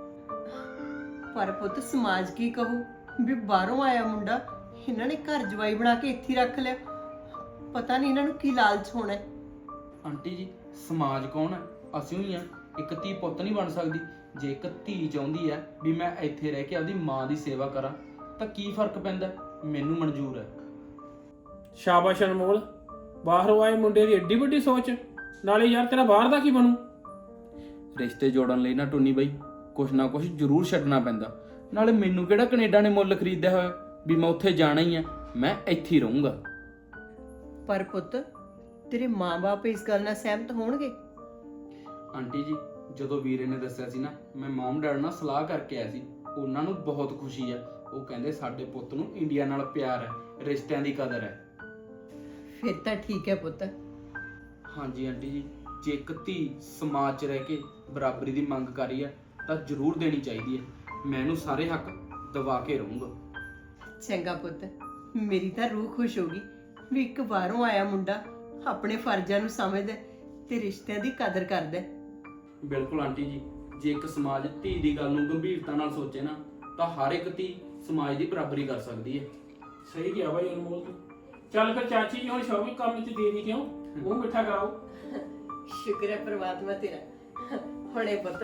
[SPEAKER 1] ਪਰ ਪੁੱਤ, ਸਮਾਜ ਕੀ ਕਹੂ ਵੀ ਬਾਹਰੋਂ ਆਇਆ ਮੁੰਡਾ ਇਹਨਾਂ ਨੇ ਘਰ ਜਵਾਈ ਬਣਾ ਕੇ ਇੱਥੇ ਹੀ ਰੱਖ ਲਿਆ। ਪਤਾ ਨਹੀਂ ਇਹਨਾਂ ਨੂੰ ਕੀ ਲਾਲਚ ਹੋਣਾ ਹੈ।
[SPEAKER 4] ਆਂਟੀ ਜੀ, ਸਮਾਜ ਕੌਣ ਹੈ? ਅਸੀਂ ਹੀ ਆ। ਇੱਕ ਧੀ ਪੁੱਤ ਨਹੀਂ ਬਣ ਸਕਦੀ? ਜੇ ਇੱਕ ਧੀ ਚਾਹੁੰਦੀ ਹੈ ਵੀ ਮੈਂ ਇੱਥੇ ਰਹਿ ਕੇ ਆਪਦੀ ਮਾਂ ਦੀ ਸੇਵਾ ਕਰਾਂ ਤਾਂ ਕੀ ਫਰਕ ਪੈਂਦਾ? ਮੈਨੂੰ ਮਨਜ਼ੂਰ ਹੈ।
[SPEAKER 3] ਸ਼ਾਬਾਸ਼ ਅਨਮੋਲ, ਬਾਹਰੋਂ ਆਏ ਮੁੰਡੇ ਦੀ ਏਡੀ ਵੱਡੀ ਸੋਚ। ਨਾਲੇ ਯਾਰ ਤੇਰਾ ਬਾਹਰ ਦਾ ਕੀ ਬਣੂ?
[SPEAKER 4] ਰਿਸ਼ਤੇ ਜੋੜਨ ਲਈ ਨਾ ਟੋਨੀ ਬਾਈ, ਕੁਛ ਨਾ ਕੁਛ ਜ਼ਰੂਰ ਛੱਡਣਾ ਪੈਂਦਾ। ਨਾਲੇ ਮੈਨੂੰ ਕਿਹੜਾ ਕੈਨੇਡਾ ਨੇ ਮੁੱਲ ਖਰੀਦਿਆ ਹੋਇਆ ਵੀ ਮੈਂ ਉੱਥੇ ਜਾਣਾ ਹੀ ਆ, ਮੈਂ ਇੱਥੇ ਹੀ ਰਹੂੰਗਾ।
[SPEAKER 1] ਪਰ ਪੁੱਤ, ਤੇਰੇ ਮਾਂ-ਬਾਪ ਇਸ ਗੱਲ ਨਾਲ ਸਹਿਮਤ ਹੋਣਗੇ?
[SPEAKER 4] ਆਂਟੀ ਜੀ, ਜਦੋਂ ਵੀਰੇ ਨੇ ਦੱਸਿਆ ਸੀ ਨਾ, ਮੈਂ ਮਮ ਡੈਡ ਨਾਲ ਸਲਾਹ ਕਰਕੇ ਆਇਆ ਸੀ। ਉਹਨਾਂ ਨੂੰ ਬਹੁਤ ਖੁਸ਼ੀ ਆ। ਉਹ ਕਹਿੰਦੇ ਸਾਡੇ ਪੁੱਤ ਨੂੰ ਇੰਡੀਆ ਨਾਲ ਪਿਆਰ ਹੈ, ਰਿਸ਼ਤਿਆਂ ਦੀ ਕਦਰ ਹੈ।
[SPEAKER 1] ਫਿਰ ਤਾਂ ਠੀਕ ਹੈ ਪੁੱਤ।
[SPEAKER 4] ਹਾਂਜੀ ਆਂਟੀ ਜੀ, ਜੇ ਇੱਕ ਧੀ ਸਮਾਜ 'ਚ ਰਹਿ ਕੇ ਬਰਾਬਰੀ ਦੀ ਮੰਗ ਕਰ ਰਹੀ ਹੈ ਤਾਂ ਜ਼ਰੂਰ ਦੇਣੀ ਚਾਹੀਦੀ ਹੈ। ਮੈਂ ਇਹਨੂੰ ਸਾਰੇ ਹੱਕ ਦਿਵਾ ਕੇ ਰਹੂੰਗਾ।
[SPEAKER 1] ਚੰਗਾ ਪੁੱਤ, ਮੇਰੀ ਤਾਂ ਰੂਹ ਖੁਸ਼ ਹੋ ਗਈ ਵੀ ਇੱਕ ਬਾਹਰੋਂ ਆਇਆ ਮੁੰਡਾ ਆਪਣੇ ਫਰਜ਼ਾਂ ਨੂੰ ਸਮਝਦਾ ਤੇ ਰਿਸ਼ਤਿਆਂ ਦੀ ਕਦਰ ਕਰਦਾ।
[SPEAKER 4] ਬਿਲਕੁਲ ਆਂਟੀ ਜੀ, ਜੇ ਇੱਕ ਸਮਾਜ ਧੀ ਦੀ ਗੱਲ ਨੂੰ ਗੰਭੀਰਤਾ ਨਾਲ ਸੋਚੇ ਨਾ ਤਾਂ ਹਰ ਇੱਕ ਧੀ ਸਮਾਜ ਦੀ ਬਰਾਬਰੀ ਕਰ ਸਕਦੀ ਹੈ।
[SPEAKER 3] ਸਹੀ ਗਿਆ ਬਾਈ ਅਨਮੋਲ ਤੂੰ। ਚੱਲ ਫਿਰ ਚਾਚੀ ਜੀ ਹੁਣ ਸ਼ਾਪਿੰਗ ਕਰਨ ਚ ਦੇਰੀ ਕਿਉਂ? ਮੂੰਹ ਮਿੱਠਾ ਕਰਾਓ।
[SPEAKER 1] ਸ਼ੁਕਰ ਹੈ ਪ੍ਰਮਾਤਮਾ ਤੇਰਾ। ਹੁਣੇ ਪੁੱਤ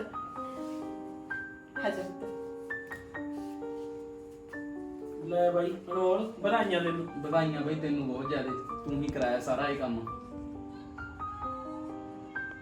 [SPEAKER 1] ਹਜੇ ਪੁੱਤ।
[SPEAKER 3] ਲੈ ਬਾਈ ਅਨਮੋਲ, ਵਧਾਈਆਂ ਤੈਨੂੰ।
[SPEAKER 4] ਵਧਾਈਆਂ ਬਈ ਤੈਨੂੰ ਬਹੁਤ ਜ਼ਿਆਦਾ, ਤੂੰ ਹੀ ਕਰਾਇਆ ਸਾਰਾ ਇਹ ਕੰਮ।